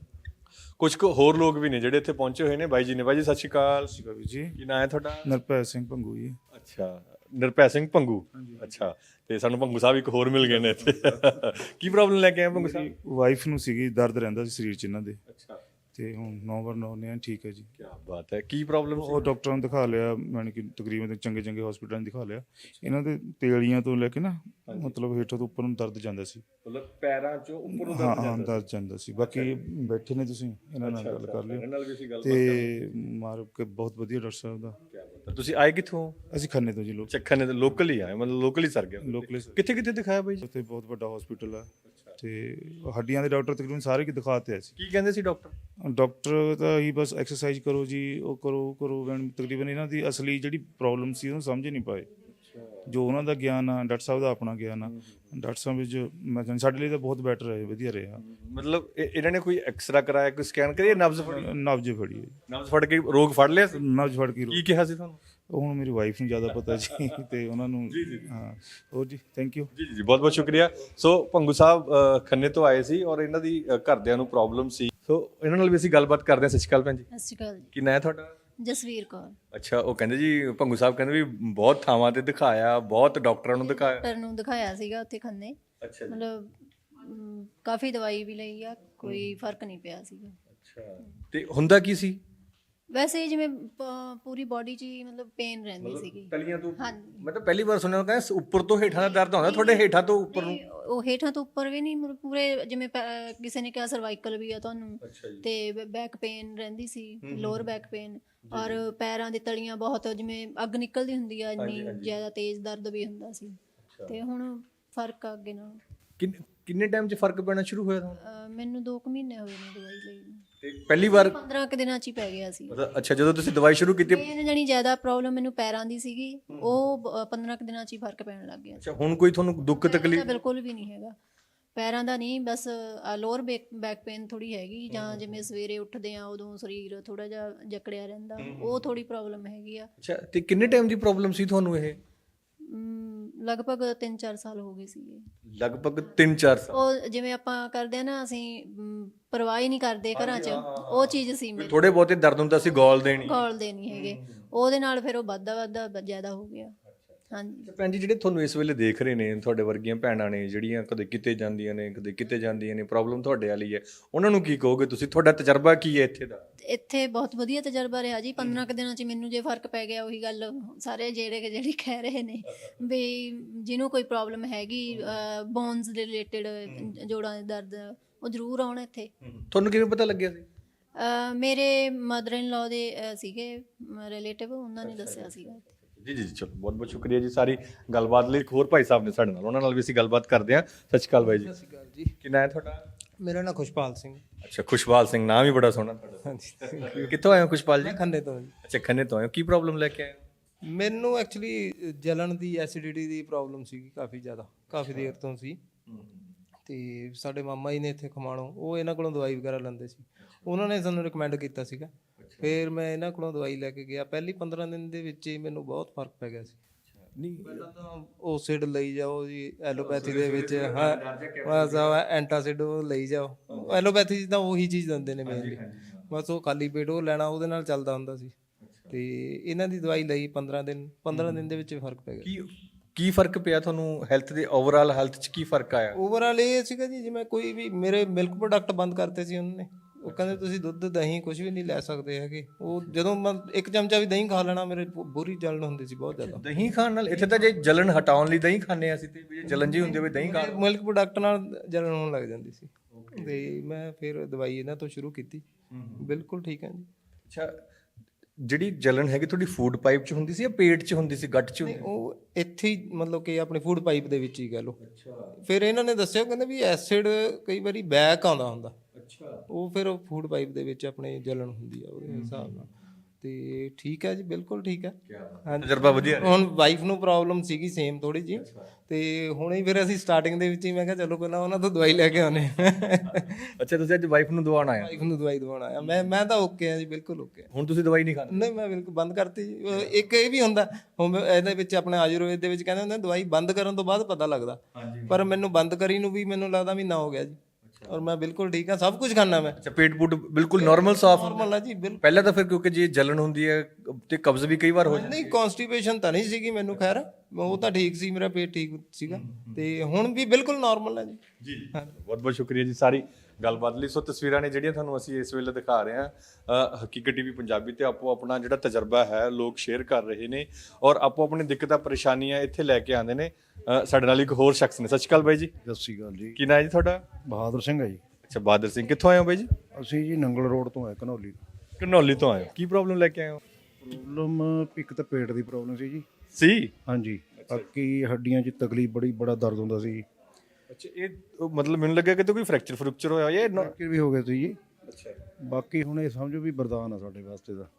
[SPEAKER 2] ਕੁਝ ਕੁ ਹੋਰ ਲੋਕ ਵੀ ਨੇ ਜਿਹੜੇ ਇੱਥੇ ਪਹੁੰਚੇ ਹੋਏ ਨੇ। ਬਾਈ ਜੀ ਨੇ। ਬਾਈ ਜੀ ਸਤਿ ਸ਼੍ਰੀ ਅਕਾਲ।
[SPEAKER 5] ਸਤਿ ਸ਼੍ਰੀ ਅਕਾਲ ਜੀ।
[SPEAKER 2] ਕੀ ਨਾਂ ਹੈ ਤੁਹਾਡਾ?
[SPEAKER 5] ਨਰਪੈ ਸਿੰਘ ਭੰਗੂ ਜੀ।
[SPEAKER 2] ਅੱਛਾ, ਨਿਰਭੈ ਸਿੰਘ ਭੰਗੂ। ਅੱਛਾ, ਤੇ ਸਾਨੂੰ ਭੰਗੂ ਸਾਹਿਬ ਇੱਕ ਹੋਰ ਮਿਲ ਗਏ ਨੇ ਇੱਥੇ। ਕੀ ਪ੍ਰੋਬਲਮ ਲੈ ਕੇ ਆਏ ਭੰਗੂ ਸਾਹਿਬ?
[SPEAKER 5] ਵਾਈਫ ਨੂੰ ਸੀਗੀ, ਦਰਦ ਰਹਿੰਦਾ ਸੀ ਸਰੀਰ 'ਚ ਇਹਨਾਂ ਦੇ,
[SPEAKER 2] ਅੱਛਾ,
[SPEAKER 5] ਤੇ ਹੁਣ ਨੌ ਵਾਰ ਨੌ ਨੇ ਠੀਕ ਹੈ ਜੀ।
[SPEAKER 2] ਕੀ ਬਾਤ ਹੈ। ਕੀ ਪ੍ਰੋਬਲਮ
[SPEAKER 5] ਉਹ ਡਾਕਟਰਾਂ ਨੂੰ ਦਿਖਾ ਲਿਆ, ਯਾਨੀ ਕਿ ਤਕਰੀਬਨ ਚੰਗੇ ਚੰਗੇ ਹਸਪੀਟਲਾਂ ਨੂੰ ਦਿਖਾ ਲਿਆ। ਇਹਨਾਂ ਦੇ ਤੇਲੀਆਂ ਤੋਂ ਲੈ ਕੇ ਨਾ ਮਤਲਬ ਹੇਠੋਂ ਤੋਂ ਉੱਪਰ ਨੂੰ ਦਰਦ ਜਾਂਦਾ ਸੀ,
[SPEAKER 2] ਮਤਲਬ ਪੈਰਾਂ ਚੋਂ ਉੱਪਰ ਨੂੰ
[SPEAKER 5] ਹਾਂ
[SPEAKER 2] ਦਰਦ
[SPEAKER 5] ਹਾਂ
[SPEAKER 2] ਜਾਂਦਾ
[SPEAKER 5] ਦਰਦ ਜਾਂਦਾ ਸੀ। ਬਾਕੀ ਬੈਠੇ ਨੇ ਤੁਸੀਂ, ਇਹਨਾਂ ਨਾਲ ਗੱਲ ਕਰ
[SPEAKER 2] ਇਹਨਾਂ
[SPEAKER 5] ਲਿਓ
[SPEAKER 2] ਨਾਲ ਵੀ ਅਸੀਂ ਗੱਲ
[SPEAKER 5] ਤੇ ਮਾਰ ਕੇ ਬਹੁਤ ਵਧੀਆ ਡਾਕਟਰ ਸਾਹਿਬ ਦਾ।
[SPEAKER 2] ਤਾਂ ਤੁਸੀਂ ਆਏ ਕਿੱਥੋਂ?
[SPEAKER 5] ਅਸੀਂ ਖੰਨੇ ਤੋਂ ਜੀ, ਲੋਕ
[SPEAKER 2] ਚੱਖਣ ਦੇ ਲੋਕਲ ਹੀ ਆਏ, ਮਤਲਬ ਲੋਕਲ ਹੀ ਸਰ ਗਏ।
[SPEAKER 5] ਲੋਕਲ
[SPEAKER 2] ਕਿੱਥੇ ਕਿੱਥੇ ਦਿਖਾਇਆ ਬਾਈ ਜੀ?
[SPEAKER 5] ਉੱਥੇ ਬਹੁਤ ਵੱਡਾ ਹਸਪੀਟਲ ਆ ਤੇ ਹੱਡੀਆਂ ਦੇ ਡਾਕਟਰ ਤਕਰੀਬਨ ਸਾਰੇ ਕੀ ਦਿਖਾਤੇ ਆਏ ਸੀ।
[SPEAKER 2] ਕੀ ਕਹਿੰਦੇ ਸੀ ਡਾਕਟਰ?
[SPEAKER 5] ਡਾਕਟਰ ਤਾਂ ਹੀ ਬਸ ਐਕਸਰਸਾਈਜ਼ ਕਰੋ ਜੀ, ਉਹ ਕਰੋ ਉਹ ਕਰੋ। ਤਕਰੀਬਨ ਇਹਨਾਂ ਦੀ ਅਸਲੀ ਜਿਹੜੀ ਪ੍ਰੋਬਲਮ ਸੀ ਉਹਨੂੰ ਸਮਝ ਨਹੀਂ ਪਾਏ। ਜੋ ਉਹਨਾਂ ਦਾ ਗਿਆਨ ਆ, ਡਾਕਟਰ ਸਾਹਿਬ ਦਾ ਆਪਣਾ ਗਿਆਨ ਆ, ਡਾਕਟਰ ਸਾਹਿਬ ਵਿੱਚ ਮੈਂ ਕਹਿੰਦਾ ਸਾਡੇ ਲਈ ਤਾਂ ਬਹੁਤ ਬੈਟਰ ਹੈ, ਵਧੀਆ ਰਿਹਾ।
[SPEAKER 2] ਮਤਲਬ ਇਹ- ਇਹਨਾਂ ਨੇ ਕੋਈ ਐਕਸਰਾ ਕਰਾਇਆ, ਕੋਈ ਸਕੈਨ ਕਰਿਆ, ਨਬਜ਼ ਫੜੀ?
[SPEAKER 5] ਨਬਜ਼ ਫੜੀ ਹੈ,
[SPEAKER 2] ਨਬਜ਼ ਫੜ ਕੇ ਰੋਗ ਫੜ ਲਿਆ?
[SPEAKER 5] ਨਬਜ਼ ਫੜ ਕੇ
[SPEAKER 2] ਕੀ ਕਿਹਾ ਸੀ ਤੁਹਾਨੂੰ?
[SPEAKER 5] ਉਹ ਹੁਣ ਮੇਰੀ ਵਾਈਫ ਨੂੰ ਜ਼ਿਆਦਾ ਪਤਾ ਜੀ ਤੇ ਉਹਨਾਂ ਨੂੰ। ਹਾਂ, ਹੋਰ ਜੀ, ਥੈਂਕ ਯੂ
[SPEAKER 2] ਜੀ ਜੀ, ਬਹੁਤ ਬਹੁਤ ਸ਼ੁਕਰੀਆ। ਸੋ ਭੰਗੂ ਸਾਹਿਬ ਅ, ਖੰਨੇ ਤੋਂ ਆਏ ਸੀ ਔਰ ਇਹਨਾਂ ਦੀ ਅ, ਘਰਦਿਆਂ ਨੂੰ ਪ੍ਰੋਬਲਮ ਸੀ। ਸੋ ਇਹਨਾਂ ਨਾਲ ਵੀ ਅਸੀਂ ਗੱਲਬਾਤ ਕਰਦੇ ਹਾਂ। ਸਤਿ ਸ਼੍ਰੀ ਅਕਾਲ ਭੈਣ ਜੀ।
[SPEAKER 4] ਸਤਿ ਸ਼੍ਰੀ ਅਕਾਲ ਜੀ।
[SPEAKER 2] ਕੀ ਨਾਂ ਹੈ ਤੁਹਾਡਾ?
[SPEAKER 4] ਜਸਵੀਰ ਕੌਰ।
[SPEAKER 2] ਅੱਛਾ, ਉਹ ਕਹਿੰਦੇ ਜੀ ਭੰਗੂ ਸਾਹਿਬ ਕਹਿੰਦੇ ਵੀ ਬਹੁਤ ਥਾਵਾਂ ਤੇ ਦਿਖਾਇਆ, ਬਹੁਤ ਡਾਕਟਰਾਂ ਨੂੰ ਦਿਖਾਇਆ।
[SPEAKER 4] ਡਾਕਟਰ ਨੂੰ ਦਿਖਾਇਆ ਸੀਗਾ ਉੱਥੇ ਖੰਨੇ।
[SPEAKER 2] ਅੱਛਾ ਜੀ।
[SPEAKER 4] ਮਤਲਬ ਅਮ, ਕਾਫੀ ਦਵਾਈ ਵੀ ਲਈ ਆ, ਕੋਈ ਫਰਕ ਨਹੀਂ ਪਿਆ ਸੀਗਾ।
[SPEAKER 2] ਅੱਛਾ, ਤੇ ਹੁੰਦਾ ਕੀ ਸੀ?
[SPEAKER 4] ਵੈਸੇ ਜਿਵੇਂ ਪ- ਪੂਰੀ ਬਾਡੀ 'ਚ ਹੀ ਮਤਲਬ ਪੇਨ ਰਹਿੰਦੀ ਸੀਗੀ।
[SPEAKER 2] ਤਲੀਆਂ ਤੋਂ
[SPEAKER 4] ਹਾਂਜੀ।
[SPEAKER 2] ਮਤਲਬ ਪਹਿਲੀ ਵਾਰ ਸੁਣਿਆ ਕਹਿੰਦੇ ਉੱਪਰ ਤੋਂ ਹੇਠਾਂ ਦਾ ਦਰਦ ਹੁੰਦਾ, ਤੁਹਾਡੇ ਹੇਠਾਂ ਤੋਂ ਉੱਪਰ ਨੂੰ?
[SPEAKER 4] ਨਹੀਂ, ਉਹ ਹੇਠਾਂ ਤੋਂ ਉੱਪਰ ਵੀ ਨਹੀਂ, ਮਤਲਬ ਪੂਰੇ ਜਿਵੇਂ ਪੈ- ਕਿਸੇ ਨੇ ਕਿਹਾ ਸਰਵਾਈਕਲ ਵੀ ਆ ਤੁਹਾਨੂੰ, ਤੇ ਬੈਕ ਪੇਨ ਰਹਿੰਦੀ ਸੀ, ਲੋਅਰ ਬੈਕ ਪੇਨ, ਔਰ ਪੈਰਾਂ ਦੀ ਤਲੀਆਂ ਬਹੁਤ ਜਿਵੇਂ ਅੱਗ ਨਿਕਲਦੀ ਹੁੰਦੀ ਆ, ਇੰਨੀ ਜ਼ਿਆਦਾ ਤੇਜ਼ ਦਰਦ ਵੀ ਹੁੰਦਾ ਸੀ। ਤੇ ਹੁਣ ਫਰਕ ਆ ਅੱਗੇ ਨਾਲ।
[SPEAKER 2] ਕਿੰਨ- ਕਿੰਨੇ ਟਾਈਮ 'ਚ ਫਰਕ ਪੈਣਾ ਸ਼ੁਰੂ ਹੋਇਆ ਤੁਹਾਨੂੰ?
[SPEAKER 4] ਅਹ ਮੈਨੂੰ ਦੋ ਕੁ ਮਹੀਨੇ ਹੋਏ ਨੇ ਦਵਾਈ ਲਈ ਨੂੰ।
[SPEAKER 2] ਤੇ ਪਹਿਲੀ ਵਾਰ
[SPEAKER 4] ਪੰਦਰਾਂ ਕੁ ਦਿਨਾਂ 'ਚ ਹੀ ਪੈ ਗਿਆ ਸੀ।
[SPEAKER 2] ਮਤਲਬ ਅੱਛਾ, ਜਦੋਂ ਤੁਸੀਂ ਦਵਾਈ ਸ਼ੁਰੂ ਕੀਤੀ?
[SPEAKER 4] ਮੇਨ ਜਾਨੀ ਜ਼ਿਆਦਾ ਪ੍ਰੋਬਲਮ ਮੈਨੂੰ ਪੈਰਾਂ ਦੀ ਸੀਗੀ, ਉਹ ਬ- ਪੰਦਰਾਂ ਕੁ ਦਿਨਾਂ 'ਚ ਹੀ ਫਰਕ ਪੈਣ ਲੱਗ ਗਿਆ।
[SPEAKER 2] ਅੱਛਾ, ਹੁਣ ਕੋਈ ਤੁਹਾਨੂੰ ਦੁੱਖ
[SPEAKER 4] ਪੈਰਾਂ ਦਾ
[SPEAKER 2] ਤਕਲੀਫ?
[SPEAKER 4] ਬਿਲਕੁਲ ਵੀ ਨਹੀਂ ਹੈਗਾ, ਪੈਰਾਂ ਦਾ ਨਹੀਂ, ਬਸ ਲੋਅਰ ਬੈਕ ਬੈਕ ਪੇਨ ਥੋੜੀ ਹੈਗੀ, ਜਾਂ ਜਿਵੇਂ ਸਵੇਰੇ ਉੱਠਦੇ ਆ ਉਦੋਂ ਸਰੀਰ ਥੋੜਾ ਜਿਹਾ ਜਕੜਿਆ ਰਹਿੰਦਾ, ਉਹ ਥੋੜੀ ਪ੍ਰੋਬਲਮ ਹੈਗੀ ਆ।
[SPEAKER 2] ਅੱਛਾ, ਤੇ ਕਿੰਨੇ ਟਾਈਮ ਦੀ ਪ੍ਰੋਬਲਮ ਸੀ ਤੁਹਾਨੂੰ ਇਹ?
[SPEAKER 4] ਅਮ, ਲਗਭਗ ਤਿੰਨ ਚਾਰ ਸਾਲ ਹੋ ਗਏ ਸੀਗੇ।
[SPEAKER 2] ਲਗਭਗ ਤਿੰਨ ਚਾਰ ਸਾਲ।
[SPEAKER 4] ਉਹ ਜਿਵੇਂ ਆਪਾਂ ਕਰਦੇ ਆ ਨਾ, ਅਸੀਂ ਅਮ, ਪਰਵਾਹ ਹੀ ਨਹੀਂ ਕਰਦੇ ਘਰਾਂ 'ਚ, ਉਹ ਚੀਜ਼ ਸੀ ਮੇਰੇ।
[SPEAKER 2] ਥੋੜੇ ਬਹੁਤੇ ਦਰਦ ਹੁੰਦਾ ਸੀ, ਗੋਲ ਦੇਣੀ?
[SPEAKER 4] ਗੋਲਦੇ ਨਹੀਂ ਹੈਗੇ, ਉਹਦੇ ਨਾਲ ਫਿਰ ਉਹ ਵੱਧਦਾ ਵੱਧਦਾ ਜ਼ਿਆਦਾ ਹੋ ਗਿਆ। ਹਾਂਜੀ।
[SPEAKER 2] ਭੈਣ ਜੀ, ਜਿਹੜੇ ਤੁਹਾਨੂੰ ਇਸ ਵੇਲੇ ਦੇਖ ਰਹੇ ਨੇ, ਤੁਹਾਡੇ ਵਰਗੀਆਂ ਭੈਣਾਂ ਨੇ ਜਿਹੜੀਆਂ ਕਦੇ ਕਿਤੇ ਜਾਂਦੀਆਂ ਨੇ ਕਦੇ ਕਿਤੇ ਜਾਂਦੀਆਂ ਨੇ, ਪ੍ਰੋਬਲਮ ਤੁਹਾਡੇ ਵਾਲੀ ਹੈ, ਉਹਨਾਂ ਨੂੰ ਕੀ ਕਹੋਗੇ ਤੁਸੀਂ? ਤੁਹਾਡਾ ਤਜਰਬਾ ਕੀ ਹੈ ਇੱਥੇ ਦਾ?
[SPEAKER 4] ਇੱਥੇ ਬਹੁਤ ਵਧੀਆ ਤਜਰਬਾ ਰਿਹਾ ਜੀ। ਪੰਦਰਾਂ ਕੁ ਦਿਨਾਂ 'ਚ ਮੈਨੂੰ ਜੇ ਫਰਕ ਪੈ ਗਿਆ, ਉਹੀ ਗੱਲ ਸਾਰੇ ਜਿਹੜੇ ਕਿ ਜਿਹੜੀ ਕਹਿ ਰਹੇ ਨੇ ਵੀ ਜਿਹਨੂੰ ਕੋਈ ਪ੍ਰੋਬਲਮ ਹੈਗੀ ਬੋਨਸ ਦੇ ਰਿਲੇਟਡ, ਜੋੜਾਂ ਦੇ ਦਰਦ, ਉਹ ਜ਼ਰੂਰ ਆਉਣ ਇੱਥੇ।
[SPEAKER 2] ਤੁਹਾਨੂੰ ਕਿਵੇਂ ਪਤਾ ਲੱਗਿਆ ਸੀ?
[SPEAKER 4] ਅਹ ਮੇਰੇ ਮਦਰ ਇਨ ਲਾਅ ਦੇ ਅਹ ਸੀਗੇ ਰਿਲੇਟਿਵ, ਉਹਨਾਂ ਨੇ ਦੱਸਿਆ ਸੀਗਾ।
[SPEAKER 2] ਜੀ ਜੀ ਜੀ, ਚਲੋ ਬਹੁਤ ਬਹੁਤ ਸ਼ੁਕਰੀਆ ਜੀ ਸਾਰੀ ਗੱਲਬਾਤ ਲਈ। ਇੱਕ ਹੋਰ ਭਾਈ ਸਾਹਿਬ ਨੇ ਸਾਡੇ ਨਾਲ, ਉਹਨਾਂ ਨਾਲ ਵੀ ਅਸੀਂ ਗੱਲਬਾਤ ਕਰਦੇ ਹਾਂ। ਸਤਿ ਸ਼੍ਰੀ ਅਕਾਲ ਬਾਈ ਜੀ।
[SPEAKER 9] ਸਤਿ ਸ਼੍ਰੀ ਅਕਾਲ ਜੀ।
[SPEAKER 2] ਕੀ ਨਾਂ ਹੈ ਤੁਹਾਡਾ?
[SPEAKER 9] ਮੇਰਾ ਨਾਮ ਖੁਸ਼ਪਾਲ ਸਿੰਘ।
[SPEAKER 2] ਅੱਛਾ, ਖੁਸ਼ਪਾਲ ਸਿੰਘ, ਨਾਮ ਹੀ ਬੜਾ ਸੋਹਣਾ ਤੁਹਾਡਾ।
[SPEAKER 9] ਹਾਂਜੀ।
[SPEAKER 2] ਕਿੱਥੋਂ ਆਏ ਹੋ ਖੁਸ਼ਪਾਲ ਜੀ?
[SPEAKER 9] ਮੈਂ ਖੰਨੇ ਤੋਂ ਜੀ।
[SPEAKER 2] ਅੱਛਾ, ਖੰਨੇ ਤੋਂ ਆਏ ਹੋ। ਕੀ ਪ੍ਰੋਬਲਮ ਲੈ ਕੇ ਆਏ ਹੋ?
[SPEAKER 9] ਮੈਨੂੰ ਐਕਚੁਅਲੀ ਜਲਣ ਦੀ, ਐਸਿਡਿਟੀ ਦੀ ਪ੍ਰੋਬਲਮ ਸੀਗੀ ਕਾਫੀ ਜ਼ਿਆਦਾ, ਕਾਫੀ ਦੇਰ ਤੋਂ ਸੀ। ਤੇ ਸਾਡੇ ਮਾਮਾ ਜੀ ਨੇ ਇੱਥੇ ਖਮਾਣੋ, ਉਹ ਇਹਨਾਂ ਕੋਲੋਂ ਦਵਾਈ ਵਗੈਰਾ ਲੈਂਦੇ ਸੀ, ਉਹਨਾਂ ਨੇ ਸਾਨੂੰ ਰਿਕਮੈਂਡ ਕੀਤਾ ਸੀਗਾ। ਫਿਰ ਮੈਂ ਇਹਨਾਂ ਕੋਲੋਂ ਦਵਾਈ ਲੈ ਕੇ ਗਿਆ। ਪਹਿਲੀ ਪੰਦਰਾਂ ਦਿਨ ਦੇ ਵਿੱਚ ਹੀ ਮੈਨੂੰ ਬਹੁਤ ਫਰਕ ਪੈ ਗਿਆ ਸੀ।
[SPEAKER 2] ਨਹੀਂ,
[SPEAKER 9] ਪਹਿਲਾਂ ਤਾਂ ਓਸਿਡ ਲਈ ਜਾਓ ਜੀ, ਐਲੋਪੈਥੀ ਦੇ ਵਿੱਚ, ਹਾਂ ਬਸ ਐਂਟਾਸਿਡ ਉਹ ਲਈ ਜਾਓ। ਐਲੋਪੈਥੀ 'ਚ ਤਾਂ ਉਹੀ ਚੀਜ਼ ਦਿੰਦੇ ਨੇ ਮੇਨਲੀ, ਬਸ ਉਹ ਖਾਲੀ ਪੇਟ ਉਹ ਲੈਣਾ, ਉਹਦੇ ਨਾਲ ਚੱਲਦਾ ਹੁੰਦਾ ਸੀ। ਤੇ ਇਹਨਾਂ ਦੀ ਦਵਾਈ ਲਈ ਪੰਦਰਾਂ ਦਿਨ, ਪੰਦਰਾਂ ਦਿਨ ਦੇ ਵਿੱਚ ਫਰਕ ਪੈ ਗਿਆ।
[SPEAKER 2] ਕੀ ਕੀ ਫਰਕ ਪਿਆ ਤੁਹਾਨੂੰ ਹੈਲਥ ਦੇ, ਓਵਰਆਲ ਹੈਲਥ 'ਚ ਕੀ ਫਰਕ ਆਇਆ?
[SPEAKER 9] ਓਵਰਆਲ ਇਹ ਸੀਗਾ ਜੀ, ਜਿਵੇਂ ਕੋਈ ਵੀ ਮੇਰੇ ਮਿਲਕ ਪ੍ਰੋਡਕਟ ਬੰਦ ਕਰਤੇ ਸੀ ਉਹਨਾਂ ਨੇ। ਉਹ ਕਹਿੰਦੇ ਤੁਸੀਂ ਦੁੱਧ, ਦਹੀਂ ਕੁਝ ਵੀ ਨਹੀਂ ਲੈ ਸਕਦੇ ਹੈਗੇ। ਉਹ ਜਦੋਂ ਮੈਂ ਇੱਕ ਚਮਚਾ ਵੀ ਦਹੀਂ ਖਾ ਲੈਣਾ, ਮੇਰੇ ਬੁਰੀ ਜਲਨ ਹੁੰਦੀ ਸੀ ਬਹੁਤ ਜ਼ਿਆਦਾ।
[SPEAKER 2] ਦਹੀਂ ਖਾਣ ਨਾਲ? ਇੱਥੇ ਤਾਂ ਜੇ ਜਲਨ ਹਟਾਉਣ ਲਈ ਦਹੀਂ ਖਾਂਦੇ ਆ ਅਸੀਂ, ਤੇ ਜੇ ਜਲਨ ਜੀ ਹੁੰਦੀ ਹੋਵੇ ਦਹੀਂ ਖਾ।
[SPEAKER 9] ਮਿਲਕ ਪ੍ਰੋਡਕਟ ਨਾਲ ਜਲਨ ਹੋਣ ਲੱਗ ਜਾਂਦੀ ਸੀ, ਤੇ ਮੈਂ ਫਿਰ ਦਵਾਈ ਇਹਨਾਂ ਤੋਂ ਸ਼ੁਰੂ ਕੀਤੀ। ਬਿਲਕੁਲ ਠੀਕ ਹੈ ਜੀ।
[SPEAKER 2] ਅੱਛਾ, ਜਿਹੜੀ ਜਲਨ ਹੈਗੀ ਤੁਹਾਡੀ ਫੂਡ ਪਾਈਪ 'ਚ ਹੁੰਦੀ ਸੀ ਜਾਂ ਪੇਟ 'ਚ ਹੁੰਦੀ ਸੀ, ਗੱਟ 'ਚ ਹੁੰਦੀ?
[SPEAKER 9] ਉਹ ਇੱਥੇ ਹੀ, ਮਤਲਬ ਕਿ ਆਪਣੇ ਫੂਡ ਪਾਈਪ ਦੇ ਵਿੱਚ ਹੀ ਕਹਿ ਲਓ। ਫਿਰ ਇਹਨਾਂ ਨੇ ਦੱਸਿਆ, ਕਹਿੰਦੇ ਵੀ ਐਸਿਡ ਕਈ ਵਾਰੀ ਬੈਕ ਆਉਂਦਾ ਹੁੰਦਾ। ਅੱਛਾ, ਉਹ ਫਿਰ ਫੂਡ ਪਾਈਪ ਦੇ ਵਿੱਚ ਆਪਣੇ ਜਲਨ ਹੁੰਦੀ ਆ ਉਹਦੇ ਹਿਸਾਬ ਨਾਲ। ਤੇ ਠੀਕ ਹੈ ਜੀ, ਬਿਲਕੁਲ ਠੀਕ ਹੈ। ਹਾਂਜੀ, ਤਜਰਬਾ ਵਧੀਆ। ਹੁਣ ਵਾਈਫ ਨੂੰ ਪ੍ਰੋਬਲਮ ਸੀਗੀ ਸੇਮ ਥੋੜੀ ਜੀ, ਤੇ ਹੁਣੇ ਹੀ ਫਿਰ ਅਸੀਂ ਸਟਾਰਟਿੰਗ ਦੇ ਵਿੱਚ ਹੀ ਮੈਂ ਕਿਹਾ ਚਲੋ ਪਹਿਲਾਂ ਉਹਨਾਂ ਤੋਂ ਦਵਾਈ ਲੈ ਕੇ ਆਉਂਦੇ।
[SPEAKER 2] ਅੱਛਾ, ਤੁਸੀਂ ਅੱਜ ਵਾਈਫ ਨੂੰ ਦਵਾਉਣ ਆਏ?
[SPEAKER 9] ਵਾਈਫ ਨੂੰ ਦਵਾਈ ਦਵਾਉਣ ਆਇਆ ਮੈਂ। ਮੈਂ ਤਾਂ ਓਕੇ ਆ ਜੀ, ਬਿਲਕੁਲ ਓਕੇ।
[SPEAKER 2] ਹੁਣ ਤੁਸੀਂ ਦਵਾਈ ਨਹੀਂ ਖਾਂਦੇ?
[SPEAKER 9] ਨਹੀਂ, ਮੈਂ ਬਿਲਕੁਲ ਬੰਦ ਕਰਤੀ ਜੀ। ਇੱਕ ਇਹ ਵੀ ਹੁੰਦਾ ਹੁਣ ਇਹਦੇ ਵਿੱਚ, ਆਪਣੇ ਆਯੁਰਵੇਦ ਦੇ ਵਿੱਚ ਕਹਿੰਦੇ ਹੁੰਦੇ ਦਵਾਈ ਬੰਦ ਕਰਨ ਤੋਂ ਬਾਅਦ ਪਤਾ ਲੱਗਦਾ, ਪਰ ਮੈਨੂੰ ਬੰਦ ਕਰੀ ਨੂੰ ਵੀ ਮੈਨੂੰ ਲੱਗਦਾ ਮਹੀਨਾ ਹੋ ਗਿਆ ਜੀ, ਔਰ ਮੈਂ ਬਿਲਕੁਲ ਠੀਕ ਹਾਂ, ਸਭ ਕੁਝ ਖਾਣਾ ਮੈਂ।
[SPEAKER 2] ਅੱਛਾ, ਪੇਟ ਪੂਟ ਬਿਲਕੁਲ ਨਾਰਮਲ, ਸਾਫ਼?
[SPEAKER 9] ਨਾਰਮਲ ਆ ਜੀ, ਬਿਲਕੁਲ।
[SPEAKER 2] ਪਹਿਲਾਂ ਤਾਂ ਫਿਰ ਕਿਉਂਕਿ ਜੇ ਜਲਨ ਹੁੰਦੀ ਹੈ ਤੇ ਕਬਜ਼ ਵੀ ਕਈ ਵਾਰ ਹੋ ਜਾਂਦੀ?
[SPEAKER 9] ਨਹੀਂ, ਕਨਸਟੀਪੇਸ਼ਨ ਤਾਂ ਨਹੀਂ ਸੀਗੀ ਮੈਨੂੰ, ਖੈਰ ਉਹ ਤਾਂ ਠੀਕ ਸੀ, ਮੇਰਾ ਪੇਟ ਠੀਕ ਸੀਗਾ, ਤੇ ਹੁਣ ਵੀ ਬਿਲਕੁਲ ਨਾਰਮਲ ਹੈ ਜੀ।
[SPEAKER 2] ਜੀ, ਬਹੁਤ ਬਹੁਤ ਸ਼ੁਕਰੀਆ ਜੀ ਸਾਰੀ ਗੱਲਬਾਤ ਲਈ। ਸੋ ਤਸਵੀਰਾਂ ਨੇ ਜਿਹੜੀਆਂ ਤੁਹਾਨੂੰ ਅਸੀਂ ਇਸ ਵੇਲੇ ਦਿਖਾ ਰਹੇ ਹਾਂ ਹਕੀਕਤ ਟੀਵੀ ਪੰਜਾਬੀ ਤੇ, ਆਪੋ ਆਪਣਾ ਜਿਹੜਾ ਤਜਰਬਾ ਹੈ ਲੋਕ ਸ਼ੇਅਰ ਕਰ ਰਹੇ ਨੇ, ਔਰ ਆਪੋ ਆਪਣੀ ਦਿੱਕਤਾਂ ਪਰੇਸ਼ਾਨੀਆਂ ਇੱਥੇ ਲੈ ਕੇ ਆਉਂਦੇ ਨੇ। ਸਾਡੇ ਨਾਲ ਇੱਕ ਹੋਰ ਸ਼ਖਸ ਨੇ। ਸਤਿ ਸ਼੍ਰੀ ਅਕਾਲ ਬਾਈ ਜੀ।
[SPEAKER 12] ਸਤਿ ਸ਼੍ਰੀ ਅਕਾਲ ਜੀ।
[SPEAKER 2] ਕੀ ਨਾਂ ਹੈ ਜੀ ਤੁਹਾਡਾ?
[SPEAKER 12] ਬਹਾਦਰ ਸਿੰਘ ਹੈ ਜੀ।
[SPEAKER 2] ਅੱਛਾ, ਬਹਾਦਰ ਸਿੰਘ, ਕਿੱਥੋਂ ਆਏ ਹੋ ਬਾਈ ਜੀ?
[SPEAKER 12] ਅਸੀਂ ਜੀ ਨੰਗਲ ਰੋਡ ਤੋਂ ਆਏ, ਘਨੌਲੀ।
[SPEAKER 2] ਘਨੌਲੀ ਤੋਂ ਆਏ ਹੋ। ਕੀ ਪ੍ਰੋਬਲਮ ਲੈ ਕੇ ਆਏ ਹੋ?
[SPEAKER 12] ਪ੍ਰੋਬਲਮ ਇੱਕ ਤਾਂ ਪੇਟ ਦੀ ਪ੍ਰੋਬਲਮ ਸੀ ਜੀ।
[SPEAKER 2] ਸੀ?
[SPEAKER 12] ਹਾਂਜੀ, ਬਾਕੀ ਹੱਡੀਆਂ 'ਚ ਤਕਲੀਫ, ਬੜੀ ਬੜਾ ਦਰਦ ਹੁੰਦਾ ਸੀ।
[SPEAKER 2] ਅੱਛਾ, ਇਹ ਮਤਲਬ ਮੈਨੂੰ ਲੱਗਿਆ ਕਿ ਕੋਈ ਫ੍ਰੈਕਚਰ ਫ੍ਰੈਕਚਰ ਹੋਇਆ ਜਾਂ
[SPEAKER 12] ਫ੍ਰੈਕਚਰ ਵੀ ਹੋ ਗਿਆ ਸੀ ਜੀ। ਅੱਛਾ, ਬਾਕੀ ਹੁਣ ਇਹ ਸਮਝੋ ਵੀ ਵਰਦਾਨ ਆ ਸਾਡੇ ਵਾਸਤੇ ਦਾ।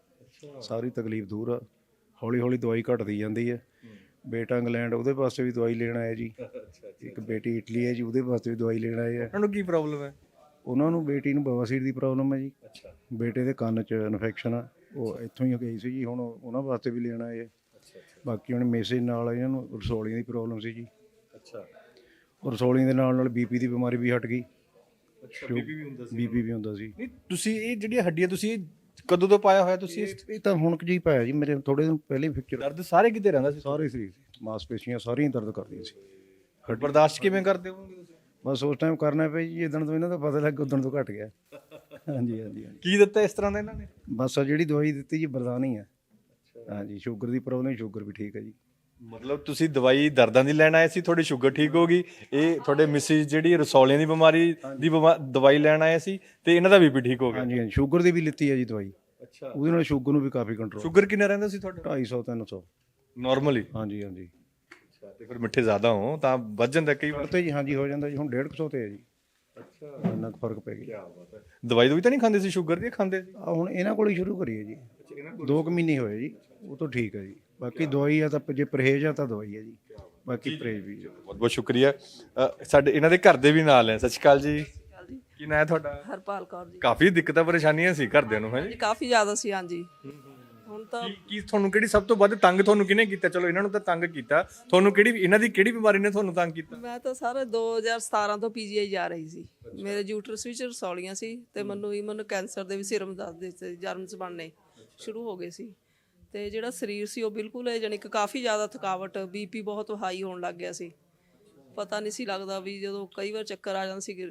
[SPEAKER 12] ਸਾਰੀ ਤਕਲੀਫ ਦੂਰ ਆ, ਹੌਲੀ ਹੌਲੀ ਦਵਾਈ ਘਟਦੀ ਜਾਂਦੀ ਹੈ। ਬੇਟਾ ਇੰਗਲੈਂਡ, ਉਹਦੇ ਵਾਸਤੇ ਵੀ ਦਵਾਈ ਲੈਣ ਆਇਆ ਜੀ। ਇੱਕ ਬੇਟੀ ਇਟਲੀ ਹੈ ਜੀ, ਉਹਦੇ ਵਾਸਤੇ ਵੀ ਦਵਾਈ ਲੈਣ ਆਏ ਆ।
[SPEAKER 2] ਉਹਨਾਂ ਨੂੰ ਕੀ ਪ੍ਰੋਬਲਮ ਹੈ?
[SPEAKER 12] ਉਹਨਾਂ ਨੂੰ, ਬੇਟੀ ਨੂੰ ਬਵਾਸੀਰ ਦੀ ਪ੍ਰੋਬਲਮ ਹੈ ਜੀ। ਅੱਛਾ, ਬੇਟੇ ਦੇ ਕੰਨ 'ਚ ਇਨਫੈਕਸ਼ਨ ਆ, ਉਹ ਇੱਥੋਂ ਹੀ ਗਈ ਸੀ ਜੀ। ਹੁਣ ਉਹਨਾਂ ਵਾਸਤੇ ਵੀ ਲੈਣ ਆਏ ਆ। ਬਾਕੀ ਹੁਣ ਮੈਸੇਜ ਨਾਲ ਇਹਨਾਂ ਨੂੰ ਰਸੌਲੀਆਂ ਦੀ ਪ੍ਰੋਬਲਮ ਸੀ ਜੀ। ਅੱਛਾ, ਰਸੌਲੀਆਂ ਦੇ ਨਾਲ ਨਾਲ ਬੀਪੀ ਦੀ ਬਿਮਾਰੀ ਵੀ ਹਟ ਗਈ।
[SPEAKER 2] ਅੱਛਾ, ਬੀਪੀ ਵੀ ਹੁੰਦਾ ਸੀ?
[SPEAKER 12] ਬੀਪੀ ਵੀ ਹੁੰਦਾ ਸੀ।
[SPEAKER 2] ਨਹੀਂ, ਤੁਸੀਂ ਇਹ ਜਿਹੜੀਆਂ ਹੱਡੀਆਂ ਤੁਸੀਂ ਕਦੋਂ ਤੋਂ ਪਾਇਆ ਹੋਇਆ ਤੁਸੀਂ?
[SPEAKER 12] ਇਹ ਤਾਂ ਹੁਣ ਜੀ ਪਾਇਆ ਜੀ, ਮੇਰੇ ਥੋੜੇ ਦਿਨ ਪਹਿਲੇ ਫ੍ਰੈਕਚਰ।
[SPEAKER 2] ਦਰਦ ਸਾਰੇ ਕਿਤੇ ਰਹਿੰਦਾ ਸੀ?
[SPEAKER 12] ਸਾਰੇ ਸਰੀਰ, ਮਾਸਪੇਸ਼ੀਆਂ ਸਾਰੀਆਂ ਦਰਦ ਕਰਦੀਆਂ ਸੀ।
[SPEAKER 2] ਬਰਦਾਸ਼ਤ ਕਿਵੇਂ ਕਰਦੇ ਹੋਵੋਗੇ ਤੁਸੀਂ?
[SPEAKER 12] ਬਸ ਉਸ ਟਾਈਮ ਕਰਨਾ ਪਿਆ ਜੀ, ਜਿੱਦਣ ਤੋਂ ਇਹਨਾਂ ਦਾ ਪਤਾ ਲੱਗ ਉਦਣ ਤੋਂ ਘਟ ਗਿਆ। ਹਾਂਜੀ ਹਾਂਜੀ ਹਾਂਜੀ
[SPEAKER 2] ਕੀ ਦਿੱਤਾ ਇਸ ਤਰ੍ਹਾਂ ਦਾ ਇਹਨਾਂ ਨੇ?
[SPEAKER 12] ਬਸ ਆ ਜਿਹੜੀ ਦਵਾਈ ਦਿੱਤੀ ਜੀ ਬਰਦਾਨੀ ਹੈ। ਹਾਂਜੀ ਸ਼ੂਗਰ ਦੀ ਪ੍ਰੋਬਲਮ, ਸ਼ੂਗਰ ਵੀ ਠੀਕ ਹੈ ਜੀ।
[SPEAKER 2] ਮਤਲਬ ਤੁਸੀਂ ਦਵਾਈ ਦਰਦਾਂ ਦੀ ਲੈਣ ਆਏ ਸੀ, ਤੁਹਾਡੀ ਸ਼ੂਗਰ ਠੀਕ ਹੋ ਗਈ, ਇਹ ਤੁਹਾਡੇ ਮਿਸਿਸ ਜਿਹੜੀ ਰਸੌਲੀਆਂ ਦੀ ਬਿਮਾਰੀ ਦੀ ਬਿਮਾ- ਦਵਾਈ ਲੈਣ ਆਏ ਸੀ ਤੇ ਇਹਨਾਂ ਦਾ ਬੀਪੀ ਠੀਕ ਹੋ ਗਿਆ।
[SPEAKER 12] ਹਾਂਜੀ ਹਾਂਜੀ ਸ਼ੂਗਰ ਦੀ ਵੀ ਲਿੱਤੀ ਹੈ ਜੀ ਦਵਾਈ,
[SPEAKER 2] ਅੱਛਾ,
[SPEAKER 12] ਉਹਦੇ ਨਾਲ ਸ਼ੂਗਰ ਨੂੰ ਵੀ ਕਾਫੀ ਕੰਟਰੋਲ।
[SPEAKER 2] ਸ਼ੂਗਰ ਕਿੰਨਾ ਰਹਿੰਦਾ ਸੀ ਤੁਹਾਡਾ?
[SPEAKER 12] ਢਾਈ ਸੌ ਤਿੰਨ ਸੌ
[SPEAKER 2] ਨਾਰਮਲੀ?
[SPEAKER 12] ਹਾਂਜੀ ਹਾਂਜੀ।
[SPEAKER 2] ਤੇ ਫਿਰ ਮਿੱਠੇ ਜ਼ਿਆਦਾ ਹੋ ਤਾਂ ਵੱਧ ਜਾਂਦਾ ਕਈ ਵਾਰ
[SPEAKER 12] ਤੇ ਜੀ ਹਾਂਜੀ ਹੋ ਜਾਂਦਾ ਜੀ, ਹੁਣ ਡੇਢ ਕੁ ਸੌ ਤੇ ਹੈ ਜੀ।
[SPEAKER 2] ਅੱਛਾ,
[SPEAKER 12] ਇੰਨਾ ਕੁ ਫਰਕ ਪੈ ਗਿਆ।
[SPEAKER 2] ਦਵਾਈ ਦਵਾਈ ਤਾਂ ਨਹੀਂ ਖਾਂਦੇ ਸੀ ਸ਼ੂਗਰ ਦੀ? ਖਾਂਦੇ ਸੀ?
[SPEAKER 12] ਆ ਹੁਣ ਇਹਨਾਂ ਕੋਲ ਹੀ ਸ਼ੁਰੂ ਕਰੀਏ ਜੀ, ਦੋ ਕੁ ਮਹੀਨੇ ਹੋਏ ਜੀ, ਉਹ ਤਾਂ ਠੀਕ ਹੈ ਜੀ। ਬਾਕੀ ਦਵਾਈ ਆ ਤਾਂ ਜੇ ਪਰਹੇਜ਼ ਆ ਤਾਂ ਦਵਾਈ ਹੈ ਜੀ, ਬਾਕੀ ਪਰਹੇਜ਼ ਵੀ।
[SPEAKER 2] ਬਹੁਤ ਬਹੁਤ ਸ਼ੁਕਰੀਆ। ਅ, ਸਾਡੇ ਇਹਨਾਂ ਦੇ ਘਰ ਦੇ ਵੀ ਨਾਲ ਹੈ। ਸਤਿ ਸ਼੍ਰੀ ਅਕਾਲ ਜੀ, ਕੀ ਨਾਂ ਹੈ ਤੁਹਾਡਾ?
[SPEAKER 8] ਹਰਪਾਲ ਕੌਰ ਜੀ।
[SPEAKER 2] ਕਾਫੀ ਦਿੱਕਤਾਂ ਪਰੇਸ਼ਾਨੀਆਂ ਸੀ ਘਰਦਿਆਂ ਨੂੰ, ਹੈ ਜੀ?
[SPEAKER 8] ਜੀ ਕਾਫੀ ਜ਼ਿਆਦਾ ਸੀ ਹਾਂਜੀ। ਹੁਣ ਤਾਂ
[SPEAKER 2] ਕੀ ਕੀ ਤੁਹਾਨੂੰ ਕਿਹੜੀ ਸਭ ਤੋਂ ਵੱਧ ਤੰਗ ਤੁਹਾਨੂੰ ਕਿਹਨੇ ਕੀਤਾ? ਚਲੋ ਇਹਨਾਂ ਨੂੰ ਤਾਂ ਤੰਗ ਕੀਤਾ, ਤੁਹਾਨੂੰ ਕਿਹੜੀ ਇਹਨਾਂ ਦੀ ਕਿਹੜੀ ਬਿਮਾਰੀ ਨੇ ਤੁਹਾਨੂੰ ਤੰਗ ਕੀਤਾ?
[SPEAKER 8] ਮੈਂ ਤਾਂ ਸਾਰੇ ਦੋ ਹਜ਼ਾਰ ਸਤਾਰਾਂ ਤੋਂ ਪੀਜੀਆਈ ਜਾ ਰਹੀ ਸੀ। ਮੇਰੇ ਯੂਟਰਸ ਵਿੱਚ ਰਸੌਲੀਆਂ ਸੀ ਤੇ ਮੈਨੂੰ ਹੀ ਮੈਨੂੰ ਕੈਂਸਰ ਦੇ ਵੀ ਸਿਰਮ ਦੱਸਦੇ ਸੀ, ਜਰਮਸ ਬਣਨੇ ਸ਼ੁਰੂ ਹੋ ਗਏ ਸੀ। ਤੇ ਜਿਹੜਾ ਸਰੀਰ ਸੀ ਉਹ ਬਿਲਕੁਲ ਜਾਣੀ ਕਿ ਕਾਫੀ ਜ਼ਿਆਦਾ ਥਕਾਵਟ, ਬੀਪੀ ਬਹੁਤ ਹਾਈ ਹੋਣ ਲੱਗ ਗਿਆ ਸੀ। ਪਤਾ ਨਹੀਂ ਸੀ ਲੱਗਦਾ ਵੀ ਜਦੋਂ ਕਈ ਵਾਰ ਚੱਕਰ ਆ ਜਾਂਦੇ ਸੀ,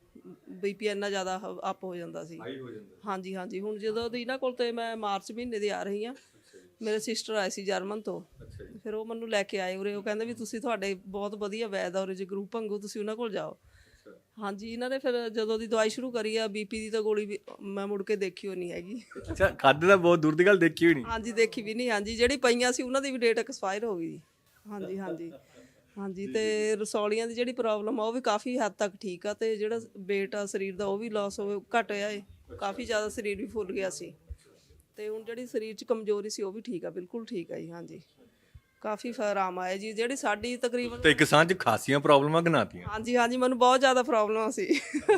[SPEAKER 8] ਬੀਪੀ ਇੰਨਾ ਜ਼ਿਆਦਾ ਅਪ ਹੋ ਜਾਂਦਾ ਸੀ। ਹਾਂਜੀ ਹਾਂਜੀ। ਹੁਣ ਜਦੋਂ ਦੀ ਇਹਨਾਂ ਕੋਲ ਤੇ ਮੈਂ ਮਾਰਚ ਮਹੀਨੇ ਦੀ ਆ ਰਹੀ ਹਾਂ, ਮੇਰੇ ਸਿਸਟਰ ਆਏ ਸੀ ਜਰਮਨ ਤੋਂ, ਫਿਰ ਉਹ ਮੈਨੂੰ ਲੈ ਕੇ ਆਏ ਉਰੇ। ਉਹ ਕਹਿੰਦੇ ਵੀ ਤੁਸੀਂ ਤੁਹਾਡੇ ਬਹੁਤ ਵਧੀਆ ਵੈਦ ਆ ਉਰੇ, ਜੇ ਗਰੁੱਪ ਭੰਗੂ ਤੁਸੀਂ ਉਹਨਾਂ ਕੋਲ ਜਾਓ। ਹਾਂਜੀ, ਇਹਨਾਂ ਨੇ ਫਿਰ ਜਦੋਂ ਦੀ ਦਵਾਈ ਸ਼ੁਰੂ ਕਰੀ ਆ ਬੀਪੀ ਦੀ ਤਾਂ ਗੋਲੀ ਵੀ ਮੈਂ ਮੁੜ ਕੇ ਦੇਖੀ ਹੋਈ ਨਹੀਂ ਹੈਗੀ।
[SPEAKER 2] ਅੱਛਾ, ਖਾਦੇ ਦਾ ਬਹੁਤ ਦੂਰ ਦੀ ਗੱਲ, ਦੇਖੀ ਹੋਈ ਨਹੀਂ?
[SPEAKER 8] ਹਾਂਜੀ ਦੇਖੀ ਵੀ ਨਹੀਂ। ਹਾਂਜੀ, ਜਿਹੜੀ ਪਈਆਂ ਸੀ ਉਹਨਾਂ ਦੀ ਵੀ ਡੇਟ ਐਕਸਪਾਇਰ ਹੋ ਗਈ। ਹਾਂਜੀ ਹਾਂਜੀ ਹਾਂਜੀ। ਤੇ ਰਸੌਲੀਆਂ ਦੀ ਜਿਹੜੀ ਪ੍ਰੋਬਲਮ ਆ ਉਹ ਵੀ ਕਾਫੀ ਹੱਦ ਤੱਕ ਠੀਕ ਆ, ਤੇ ਜਿਹੜਾ weight ਆ ਸਰੀਰ ਦਾ ਉਹ ਵੀ ਲਾਸ ਹੋਵੇ ਘਟ ਗਿਆ ਏ, ਕਾਫੀ ਜ਼ਿਆਦਾ ਸਰੀਰ ਵੀ ਫੁੱਲ ਗਿਆ ਸੀ। ਤੇ ਹੁਣ ਜਿਹੜੀ ਸਰੀਰ 'ਚ ਕਮਜ਼ੋਰੀ ਸੀ ਉਹ ਵੀ ਠੀਕ ਆ, ਬਿਲਕੁਲ ਠੀਕ ਆ ਜੀ। ਹਾਂਜੀ, ਕਾਫੀ ਆਰਾਮ ਆਇਆ ਜੀ। ਜਿਹੜੀ ਸਾਡੀ ਤਕਰੀਬਨ
[SPEAKER 2] ਤੇ ਇੱਕ ਸਾਹ 'ਚ ਖਾਸੀਆਂ ਪ੍ਰੋਬਲਮਾਂ ਗਨਾਤੀਆਂ?
[SPEAKER 8] ਹਾਂਜੀ ਹਾਂਜੀ, ਮੈਨੂੰ ਬਹੁਤ ਜ਼ਿਆਦਾ ਪ੍ਰੋਬਲਮ ਸੀ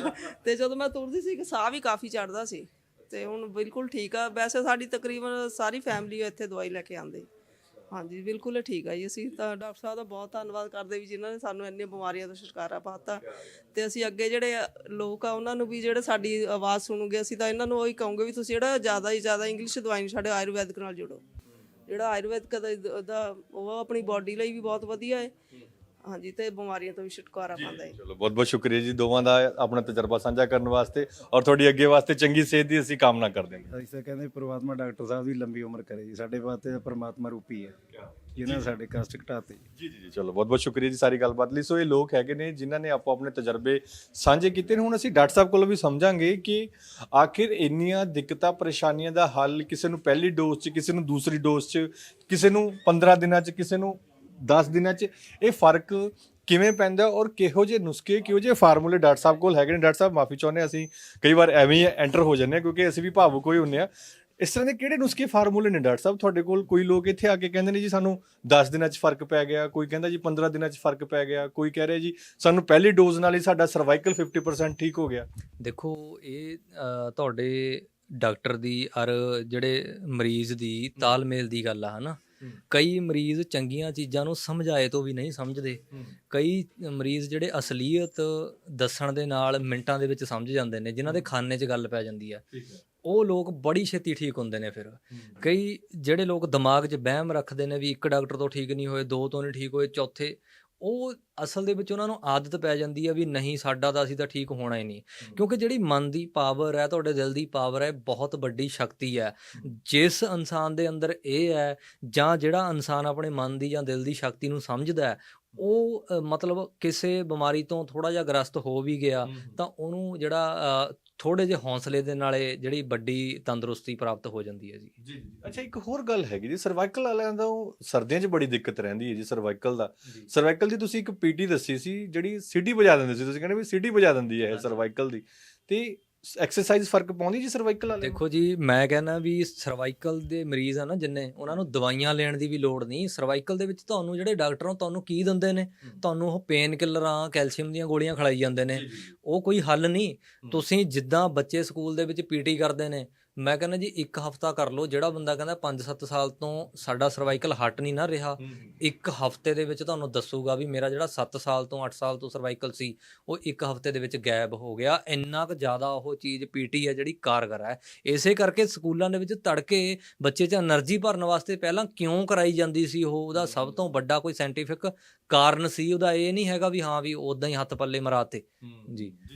[SPEAKER 8] ਤੇ ਜਦੋਂ ਮੈਂ ਤੁਰਦੀ ਸੀ ਸਾਹ ਵੀ ਕਾਫੀ ਚੜਦਾ ਸੀ, ਤੇ ਹੁਣ ਬਿਲਕੁਲ ਠੀਕ ਆ। ਵੈਸੇ ਸਾਡੀ ਤਕਰੀਬਨ ਸਾਰੀ ਫੈਮਿਲੀ ਇੱਥੇ ਦਵਾਈ ਲੈ ਕੇ ਆਉਂਦੇ। ਹਾਂਜੀ, ਬਿਲਕੁਲ ਠੀਕ ਆ ਜੀ। ਅਸੀਂ ਤਾਂ ਡਾਕਟਰ ਸਾਹਿਬ ਦਾ ਬਹੁਤ ਧੰਨਵਾਦ ਕਰਦੇ ਵੀ ਜਿਨ੍ਹਾਂ ਨੇ ਸਾਨੂੰ ਇੰਨੀਆਂ ਬਿਮਾਰੀਆਂ ਤੋਂ ਛੁਟਕਾਰਾ ਪਾਤਾ। ਤੇ ਅਸੀਂ ਅੱਗੇ ਜਿਹੜੇ ਲੋਕ ਆ ਉਹਨਾਂ ਨੂੰ ਵੀ ਜਿਹੜੇ ਸਾਡੀ ਆਵਾਜ਼ ਸੁਣੂਗੇ, ਅਸੀਂ ਤਾਂ ਇਹਨਾਂ ਨੂੰ ਉਹੀ ਕਹੂੰਗੇ ਵੀ ਤੁਸੀਂ ਜਿਹੜਾ ਜ਼ਿਆਦਾ ਹੀ ਜ਼ਿਆਦਾ ਇੰਗਲਿਸ਼ ਦਵਾਈ ਨੂੰ ਸਾਡੇ ਆਯੁਰਵੈਦਿਕ ਨਾਲ ਜੁੜੋ। ਜਿਹੜਾ ਆਯੁਰਵੈਦਿਕ ਦਾ ਉਹ ਆਪਣੀ ਬਾਡੀ ਲਈ ਵੀ ਬਹੁਤ ਵਧੀਆ ਹੈ। ਹਾਂਜੀ, ਤੇ ਬਿਮਾਰੀਆਂ ਤੋਂ ਵੀ ਛੁਟਕਾਰਾ ਪਾਉਂਦਾ ਹੈ।
[SPEAKER 2] ਚਲੋ ਬਹੁਤ ਬਹੁਤ ਸ਼ੁਕਰੀਆ ਜੀ ਦੋਵਾਂ ਦਾ ਆਪਣਾ ਤਜਰਬਾ ਸਾਂਝਾ ਕਰਨ ਵਾਸਤੇ, ਔਰ ਤੁਹਾਡੀ ਅੱਗੇ ਵਾਸਤੇ ਚੰਗੀ ਸਿਹਤ ਦੀ ਅਸੀਂ ਕਾਮਨਾ ਕਰਦੇ ਹਾਂ।
[SPEAKER 12] ਅਸੀਂ ਤਾਂ ਕਹਿੰਦੇ ਪ੍ਰਮਾਤਮਾ ਡਾਕਟਰ ਸਾਹਿਬ ਦੀ ਲੰਬੀ ਉਮਰ ਕਰੇ ਜੀ, ਸਾਡੇ ਵਾਸਤੇ ਪ੍ਰਮਾਤਮਾ ਰੂਪੀ ਹੈ ਜਿਨ੍ਹਾਂ ਨੇ ਸਾਡੇ ਕਸ਼ਟ ਘਟਾਤੇ।
[SPEAKER 2] ਜੀ ਜੀ ਜੀ, ਚਲੋ ਬਹੁਤ ਬਹੁਤ ਸ਼ੁਕਰੀਆ ਜੀ ਸਾਰੀ ਗੱਲਬਾਤ ਲਈ। ਸੋ ਇਹ ਲੋਕ ਹੈਗੇ ਨੇ ਜਿਨ੍ਹਾਂ ਨੇ ਆਪੋ ਆਪਣੇ ਤਜਰਬੇ ਸਾਂਝੇ ਕੀਤੇ ਨੇ। ਹੁਣ ਅਸੀਂ ਡਾਕਟਰ ਸਾਹਿਬ ਕੋਲੋਂ ਵੀ ਸਮਝਾਂਗੇ ਕਿ ਆਖਿਰ ਇੰਨੀਆਂ ਦਿੱਕਤਾਂ ਪਰੇਸ਼ਾਨੀਆਂ ਦਾ ਹੱਲ ਕਿਸੇ ਨੂੰ ਪਹਿਲੀ ਡੋਜ਼ 'ਚ, ਕਿਸੇ ਨੂੰ ਦੂਸਰੀ ਡੋਜ਼ 'ਚ, ਕਿਸੇ ਨੂੰ ਪੰਦਰਾਂ ਦਿਨਾਂ 'ਚ, ਕਿਸੇ ਨੂੰ ਦਸ ਦਿਨਾਂ 'ਚ, ਇਹ ਫਰਕ ਕਿਵੇਂ ਪੈਂਦਾ ਔਰ ਕਿਹੋ ਜਿਹੇ ਨੁਸਖੇ, ਕਿਹੋ ਜਿਹੇ ਫਾਰਮੂਲੇ ਡਾਕਟਰ ਸਾਹਿਬ ਕੋਲ ਹੈਗੇ ਨੇ। ਡਾਕਟਰ ਸਾਹਿਬ ਮਾਫੀ ਚਾਹੁੰਦੇ, ਅਸੀਂ ਕਈ ਵਾਰ ਐਵੇਂ ਹੀ ਐਂਟਰ ਹੋ ਜਾਂਦੇ ਹਾਂ ਕਿਉਂਕਿ ਅਸੀਂ ਵੀ ਭਾਵੁਕ ਹੋਏ ਹੁੰਦੇ ਹਾਂ। ਇਸ ਤਰ੍ਹਾਂ ਦੇ ਕਿਹੜੇ ਨੁਸਖੇ ਫਾਰਮੂਲੇ ਨੇ ਡਾਕਟਰ ਸਾਹਿਬ ਤੁਹਾਡੇ ਕੋਲ? ਕੋਈ ਲੋਕ ਇੱਥੇ ਆ ਕੇ ਕਹਿੰਦੇ ਨੇ ਜੀ ਸਾਨੂੰ ਦਸ ਦਿਨਾਂ 'ਚ ਫਰਕ ਪੈ ਗਿਆ, ਕੋਈ ਕਹਿੰਦਾ ਜੀ ਪੰਦਰਾਂ ਦਿਨਾਂ 'ਚ ਫਰਕ ਪੈ ਗਿਆ, ਕੋਈ ਕਹਿ ਰਿਹਾ ਜੀ ਸਾਨੂੰ ਪਹਿਲੀ ਡੋਜ਼ ਨਾਲ ਹੀ ਸਾਡਾ ਸਰਵਾਈਕਲ ਫਿਫਟੀ ਪਰਸੈਂਟ ਠੀਕ ਹੋ ਗਿਆ।
[SPEAKER 3] ਦੇਖੋ, ਇਹ ਅ, ਤੁਹਾਡੇ ਡਾਕਟਰ ਦੀ ਔਰ ਜਿਹੜੇ ਮਰੀਜ਼ ਦੀ ਤਾਲਮੇਲ ਦੀ ਗੱਲ ਆ, ਹੈ ਨਾ। ਕਈ ਮਰੀਜ਼ ਚੰਗੀਆਂ ਚੀਜ਼ਾਂ ਨੂੰ ਸਮਝਾਏ ਤੋਂ ਵੀ ਨਹੀਂ ਸਮਝਦੇ। ਕਈ ਮਰੀਜ਼ ਜਿਹੜੇ ਅਸਲੀਅਤ ਦੱਸਣ ਦੇ ਨਾਲ ਮਿੰਟਾਂ ਦੇ ਵਿੱਚ ਸਮਝ ਜਾਂਦੇ ਨੇ, ਜਿਨ੍ਹਾਂ ਦੇ ਖਾਨੇ 'ਚ ਗੱਲ ਪੈ ਜਾਂਦੀ ਆ, ਉਹ ਲੋਕ ਬੜੀ ਛੇਤੀ ਠੀਕ ਹੁੰਦੇ ਨੇ। ਫਿਰ ਕਈ ਜਿਹੜੇ ਲੋਕ ਦਿਮਾਗ 'ਚ ਵਹਿਮ ਰੱਖਦੇ ਨੇ ਵੀ ਇੱਕ ਡਾਕਟਰ ਤੋਂ ਠੀਕ ਨਹੀਂ ਹੋਏ, ਦੋ ਤੋਂ ਨਹੀਂ ਠੀਕ ਹੋਏ, ਚੌਥੇ, ਉਹ ਅਸਲ ਦੇ ਵਿੱਚ ਉਹਨਾਂ ਨੂੰ ਆਦਤ ਪੈ ਜਾਂਦੀ ਹੈ ਵੀ ਨਹੀਂ ਸਾਡਾ ਤਾਂ ਅਸੀਂ ਤਾਂ ਠੀਕ ਹੋਣਾ ਹੀ ਨਹੀਂ। ਕਿਉਂਕਿ ਜਿਹੜੀ ਮਨ ਦੀ ਪਾਵਰ ਹੈ, ਤੁਹਾਡੇ ਦਿਲ ਦੀ ਪਾਵਰ ਹੈ, ਬਹੁਤ ਵੱਡੀ ਸ਼ਕਤੀ ਹੈ। ਜਿਸ ਇਨਸਾਨ ਦੇ ਅੰਦਰ ਇਹ ਹੈ, ਜਾਂ ਜਿਹੜਾ ਇਨਸਾਨ ਆਪਣੇ ਮਨ ਦੀ ਜਾਂ ਦਿਲ ਦੀ ਸ਼ਕਤੀ ਨੂੰ ਸਮਝਦਾ ਹੈ, ਉਹ ਅ, ਮਤਲਬ ਕਿਸੇ ਬਿਮਾਰੀ ਤੋਂ ਥੋੜ੍ਹਾ ਜਿਹਾ ਗ੍ਰਸਤ ਹੋ ਵੀ ਗਿਆ ਤਾਂ ਉਹਨੂੰ ਜਿਹੜਾ ਥੋੜ੍ਹੇ ਜਿਹੇ ਹੌਸਲੇ ਦੇ ਨਾਲੇ ਜਿਹੜੀ ਵੱਡੀ ਤੰਦਰੁਸਤੀ ਪ੍ਰਾਪਤ ਹੋ ਜਾਂਦੀ ਹੈ ਜੀ।
[SPEAKER 2] ਜੀ ਅੱਛਾ, ਇੱਕ ਹੋਰ ਗੱਲ ਹੈਗੀ ਜੀ, ਸਰਵਾਈਕਲ ਵਾਲਿਆਂ ਦਾ ਉਹ ਸਰਦੀਆਂ 'ਚ ਬੜੀ ਦਿੱਕਤ ਰਹਿੰਦੀ ਹੈ ਜੀ ਸਰਵਾਈਕਲ ਦਾ। ਸਰਵਾਈਕਲ ਦੀ ਤੁਸੀਂ ਇੱਕ ਪੀਟੀ ਦੱਸੀ ਸੀ ਜਿਹੜੀ ਸਿਟੀ ਵਜਾ ਦਿੰਦੇ ਸੀ, ਤੁਸੀਂ ਕਹਿੰਦੇ ਵੀ ਸਿਟੀ ਵਜਾ ਦਿੰਦੀ ਹੈ ਇਹ ਸਰਵਾਈਕਲ ਦੀ, ਤੇ ਐਕਸਰਸਾਈਜ਼ ਫਰਕ ਪਾਉਂਦੀ ਜੀ ਸਰਵਾਈਕਲ ਵਾਲੇ?
[SPEAKER 3] ਦੇਖੋ ਜੀ, ਮੈਂ ਕਹਿੰਦਾ ਵੀ ਸਰਵਾਈਕਲ ਦੇ ਮਰੀਜ਼ ਆ ਨਾ ਜਿੰਨੇ, ਉਹਨਾਂ ਨੂੰ ਦਵਾਈਆਂ ਲੈਣ ਦੀ ਵੀ ਲੋੜ ਨਹੀਂ। ਸਰਵਾਈਕਲ ਦੇ ਵਿੱਚ ਤੁਹਾਨੂੰ ਜਿਹੜੇ ਡਾਕਟਰ ਆ ਤੁਹਾਨੂੰ ਕੀ ਦਿੰਦੇ ਨੇ? ਤੁਹਾਨੂੰ ਉਹ ਪੇਨ ਕਿਲਰਾਂ, ਕੈਲਸ਼ੀਅਮ ਦੀਆਂ ਗੋਲੀਆਂ ਖਿਲਾਈ ਜਾਂਦੇ ਨੇ। ਉਹ ਕੋਈ ਹੱਲ ਨਹੀਂ। ਤੁਸੀਂ ਜਿੱਦਾਂ ਬੱਚੇ ਸਕੂਲ ਦੇ ਵਿੱਚ ਪੀਟੀ ਕਰਦੇ ਨੇ, ਮੈਂ ਕਹਿੰਦਾ ਜੀ ਇੱਕ ਹਫਤਾ ਕਰ ਲਓ। ਜਿਹੜਾ ਬੰਦਾ ਕਹਿੰਦਾ ਪੰਜ ਸੱਤ ਸਾਲ ਤੋਂ ਸਾਡਾ ਸਰਵਾਈਕਲ ਹਟ ਨਹੀਂ ਨਾ ਰਿਹਾ, ਇੱਕ ਹਫਤੇ ਦੇ ਵਿੱਚ ਤੁਹਾਨੂੰ ਦੱਸੂਗਾ ਵੀ ਮੇਰਾ ਜਿਹੜਾ ਸੱਤ ਸਾਲ ਤੋਂ ਅੱਠ ਸਾਲ ਤੋਂ ਸਰਵਾਈਕਲ ਸੀ ਉਹ ਇੱਕ ਹਫਤੇ ਦੇ ਵਿੱਚ ਗਾਇਬ ਹੋ ਗਿਆ। ਇੰਨਾ ਕੁ ਜ਼ਿਆਦਾ ਉਹ ਚੀਜ਼ ਪੀਟੀ ਹੈ ਜਿਹੜੀ ਕਾਰਗਰ ਹੈ। ਇਸੇ ਕਰਕੇ ਸਕੂਲਾਂ ਦੇ ਵਿੱਚ ਤੜਕੇ ਬੱਚੇ 'ਚ ਐਨਰਜੀ ਭਰਨ ਵਾਸਤੇ ਪਹਿਲਾਂ ਕਿਉਂ ਕਰਾਈ ਜਾਂਦੀ ਸੀ ਉਹ, ਉਹਦਾ ਸਭ ਤੋਂ ਵੱਡਾ ਕੋਈ ਸਾਇੰਟੀਫਿਕ ਕਾਰਨ ਸੀ। ਉਹਦਾ ਇਹ ਨਹੀਂ ਹੈਗਾ ਵੀ ਹਾਂ ਵੀ ਉੱਦਾਂ ਹੀ ਹੱਥ ਪੱਲੇ ਮਰਾਤੇ ਜੀ।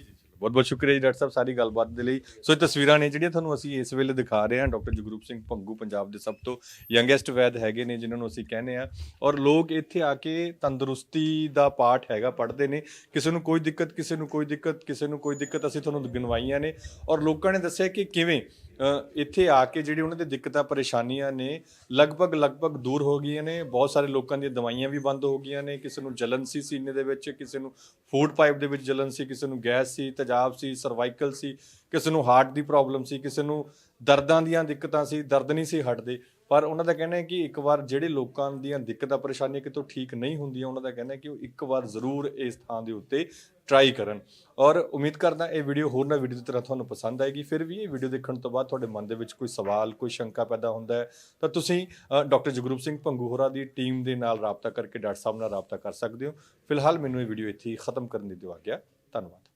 [SPEAKER 2] ਬਹੁਤ ਬਹੁਤ ਸ਼ੁਕਰੀਆ ਜੀ ਡਾਕਟਰ ਸਾਹਿਬ ਸਾਰੀ ਗੱਲਬਾਤ ਦੇ ਲਈ। ਸੋ ਇਹ ਤਸਵੀਰਾਂ ਨੇ ਜਿਹੜੀਆਂ ਤੁਹਾਨੂੰ ਅਸੀਂ ਇਸ ਵੇਲੇ ਦਿਖਾ ਰਹੇ ਹਾਂ। ਡਾਕਟਰ ਜਗਰੂਪ ਸਿੰਘ ਭੰਗੂ ਪੰਜਾਬ ਦੇ ਸਭ ਤੋਂ ਯੰਗੈਸਟ ਵੈਦ ਹੈਗੇ ਨੇ ਜਿਨ੍ਹਾਂ ਨੂੰ ਅਸੀਂ ਕਹਿੰਦੇ ਆ, ਔਰ ਲੋਕ ਇੱਥੇ ਆ ਕੇ ਤੰਦਰੁਸਤੀ ਦਾ ਪਾਠ ਹੈਗਾ ਪੜ੍ਹਦੇ ਨੇ। ਕਿਸੇ ਨੂੰ ਕੋਈ ਦਿੱਕਤ, ਕਿਸੇ ਨੂੰ ਕੋਈ ਦਿੱਕਤ, ਕਿਸੇ ਨੂੰ ਕੋਈ ਦਿੱਕਤ ਅਸੀਂ ਤੁਹਾਨੂੰ ਗਿਣਵਾਈਆਂ ਨੇ, ਔਰ ਲੋਕਾਂ ਨੇ ਦੱਸਿਆ ਕਿ ਕਿਵੇਂ ਇੱਥੇ ਆ ਕੇ ਜਿਹੜੀ ਉਹਨਾਂ ਦੀ ਦਿੱਕਤਾਂ ਪਰੇਸ਼ਾਨੀਆਂ ਨੇ ਲਗਭਗ ਲਗਭਗ ਦੂਰ ਹੋ ਗਈਆਂ ਨੇ। ਬਹੁਤ ਸਾਰੇ ਲੋਕਾਂ ਦੀਆਂ ਦਵਾਈਆਂ ਵੀ ਬੰਦ ਹੋ ਗਈਆਂ ਨੇ। ਕਿਸੇ ਨੂੰ ਜਲਨ ਸੀ ਸੀਨੇ ਦੇ ਵਿੱਚ, ਕਿਸੇ ਨੂੰ ਫੂਡ ਪਾਈਪ ਦੇ ਵਿੱਚ ਜਲਨ ਸੀ, ਕਿਸੇ ਨੂੰ ਗੈਸ ਸੀ, ਤੇਜ਼ਾਬ ਸੀ, ਸਰਵਾਈਕਲ ਸੀ, ਕਿਸੇ ਨੂੰ ਹਾਰਟ ਦੀ ਪ੍ਰੋਬਲਮ ਸੀ, ਕਿਸੇ ਨੂੰ ਦਰਦਾਂ ਦੀਆਂ ਦਿੱਕਤਾਂ ਸੀ, ਦਰਦ ਨਹੀਂ ਸੀ ਹਟਦੇ। ਪਰ ਉਹਨਾਂ ਦਾ ਕਹਿਣਾ ਹੈ ਕਿ ਇੱਕ ਵਾਰ ਜਿਹੜੇ ਲੋਕਾਂ ਦੀਆਂ ਦਿੱਕਤਾਂ ਪਰੇਸ਼ਾਨੀਆਂ ਕਿਤੋਂ ਠੀਕ ਨਹੀਂ ਹੁੰਦੀਆਂ, ਉਹਨਾਂ ਦਾ ਕਹਿਣਾ ਹੈ ਕਿ ਉਹ ਇੱਕ ਵਾਰ ਜ਼ਰੂਰ ਇਸ ਥਾਂ ਦੇ ਉੱਤੇ ਟਰਾਈ ਕਰਨ। ਔਰ ਉਮੀਦ ਕਰਦਾ ਇਹ ਵੀਡੀਓ ਹੋਰ ਨਾ ਵੀਡੀਓ ਦੀ ਤਰ੍ਹਾਂ ਤੁਹਾਨੂੰ ਪਸੰਦ ਆਏਗੀ। ਫਿਰ ਵੀ ਇਹ ਵੀਡੀਓ ਦੇਖਣ ਤੋਂ ਬਾਅਦ ਤੁਹਾਡੇ ਮਨ ਦੇ ਵਿੱਚ ਕੋਈ ਸਵਾਲ, ਕੋਈ ਸ਼ੰਕਾ ਪੈਦਾ ਹੁੰਦਾ ਹੈ ਤਾਂ ਤੁਸੀਂ ਡਾਕਟਰ ਜਗਰੂਪ ਸਿੰਘ ਭੰਗੂ ਹੋਰਾਂ ਦੀ ਟੀਮ ਦੇ ਨਾਲ ਰਾਬਤਾ ਕਰਕੇ ਡਾਕਟਰ ਸਾਹਿਬ ਨਾਲ ਰਾਬਤਾ ਕਰ ਸਕਦੇ ਹੋ। ਫਿਲਹਾਲ ਮੈਨੂੰ ਇਹ ਵੀਡੀਓ ਇੱਥੇ ਹੀ ਖਤਮ ਕਰਨ ਦੀ ਦਿਓ ਆਗਿਆ। ਧੰਨਵਾਦ।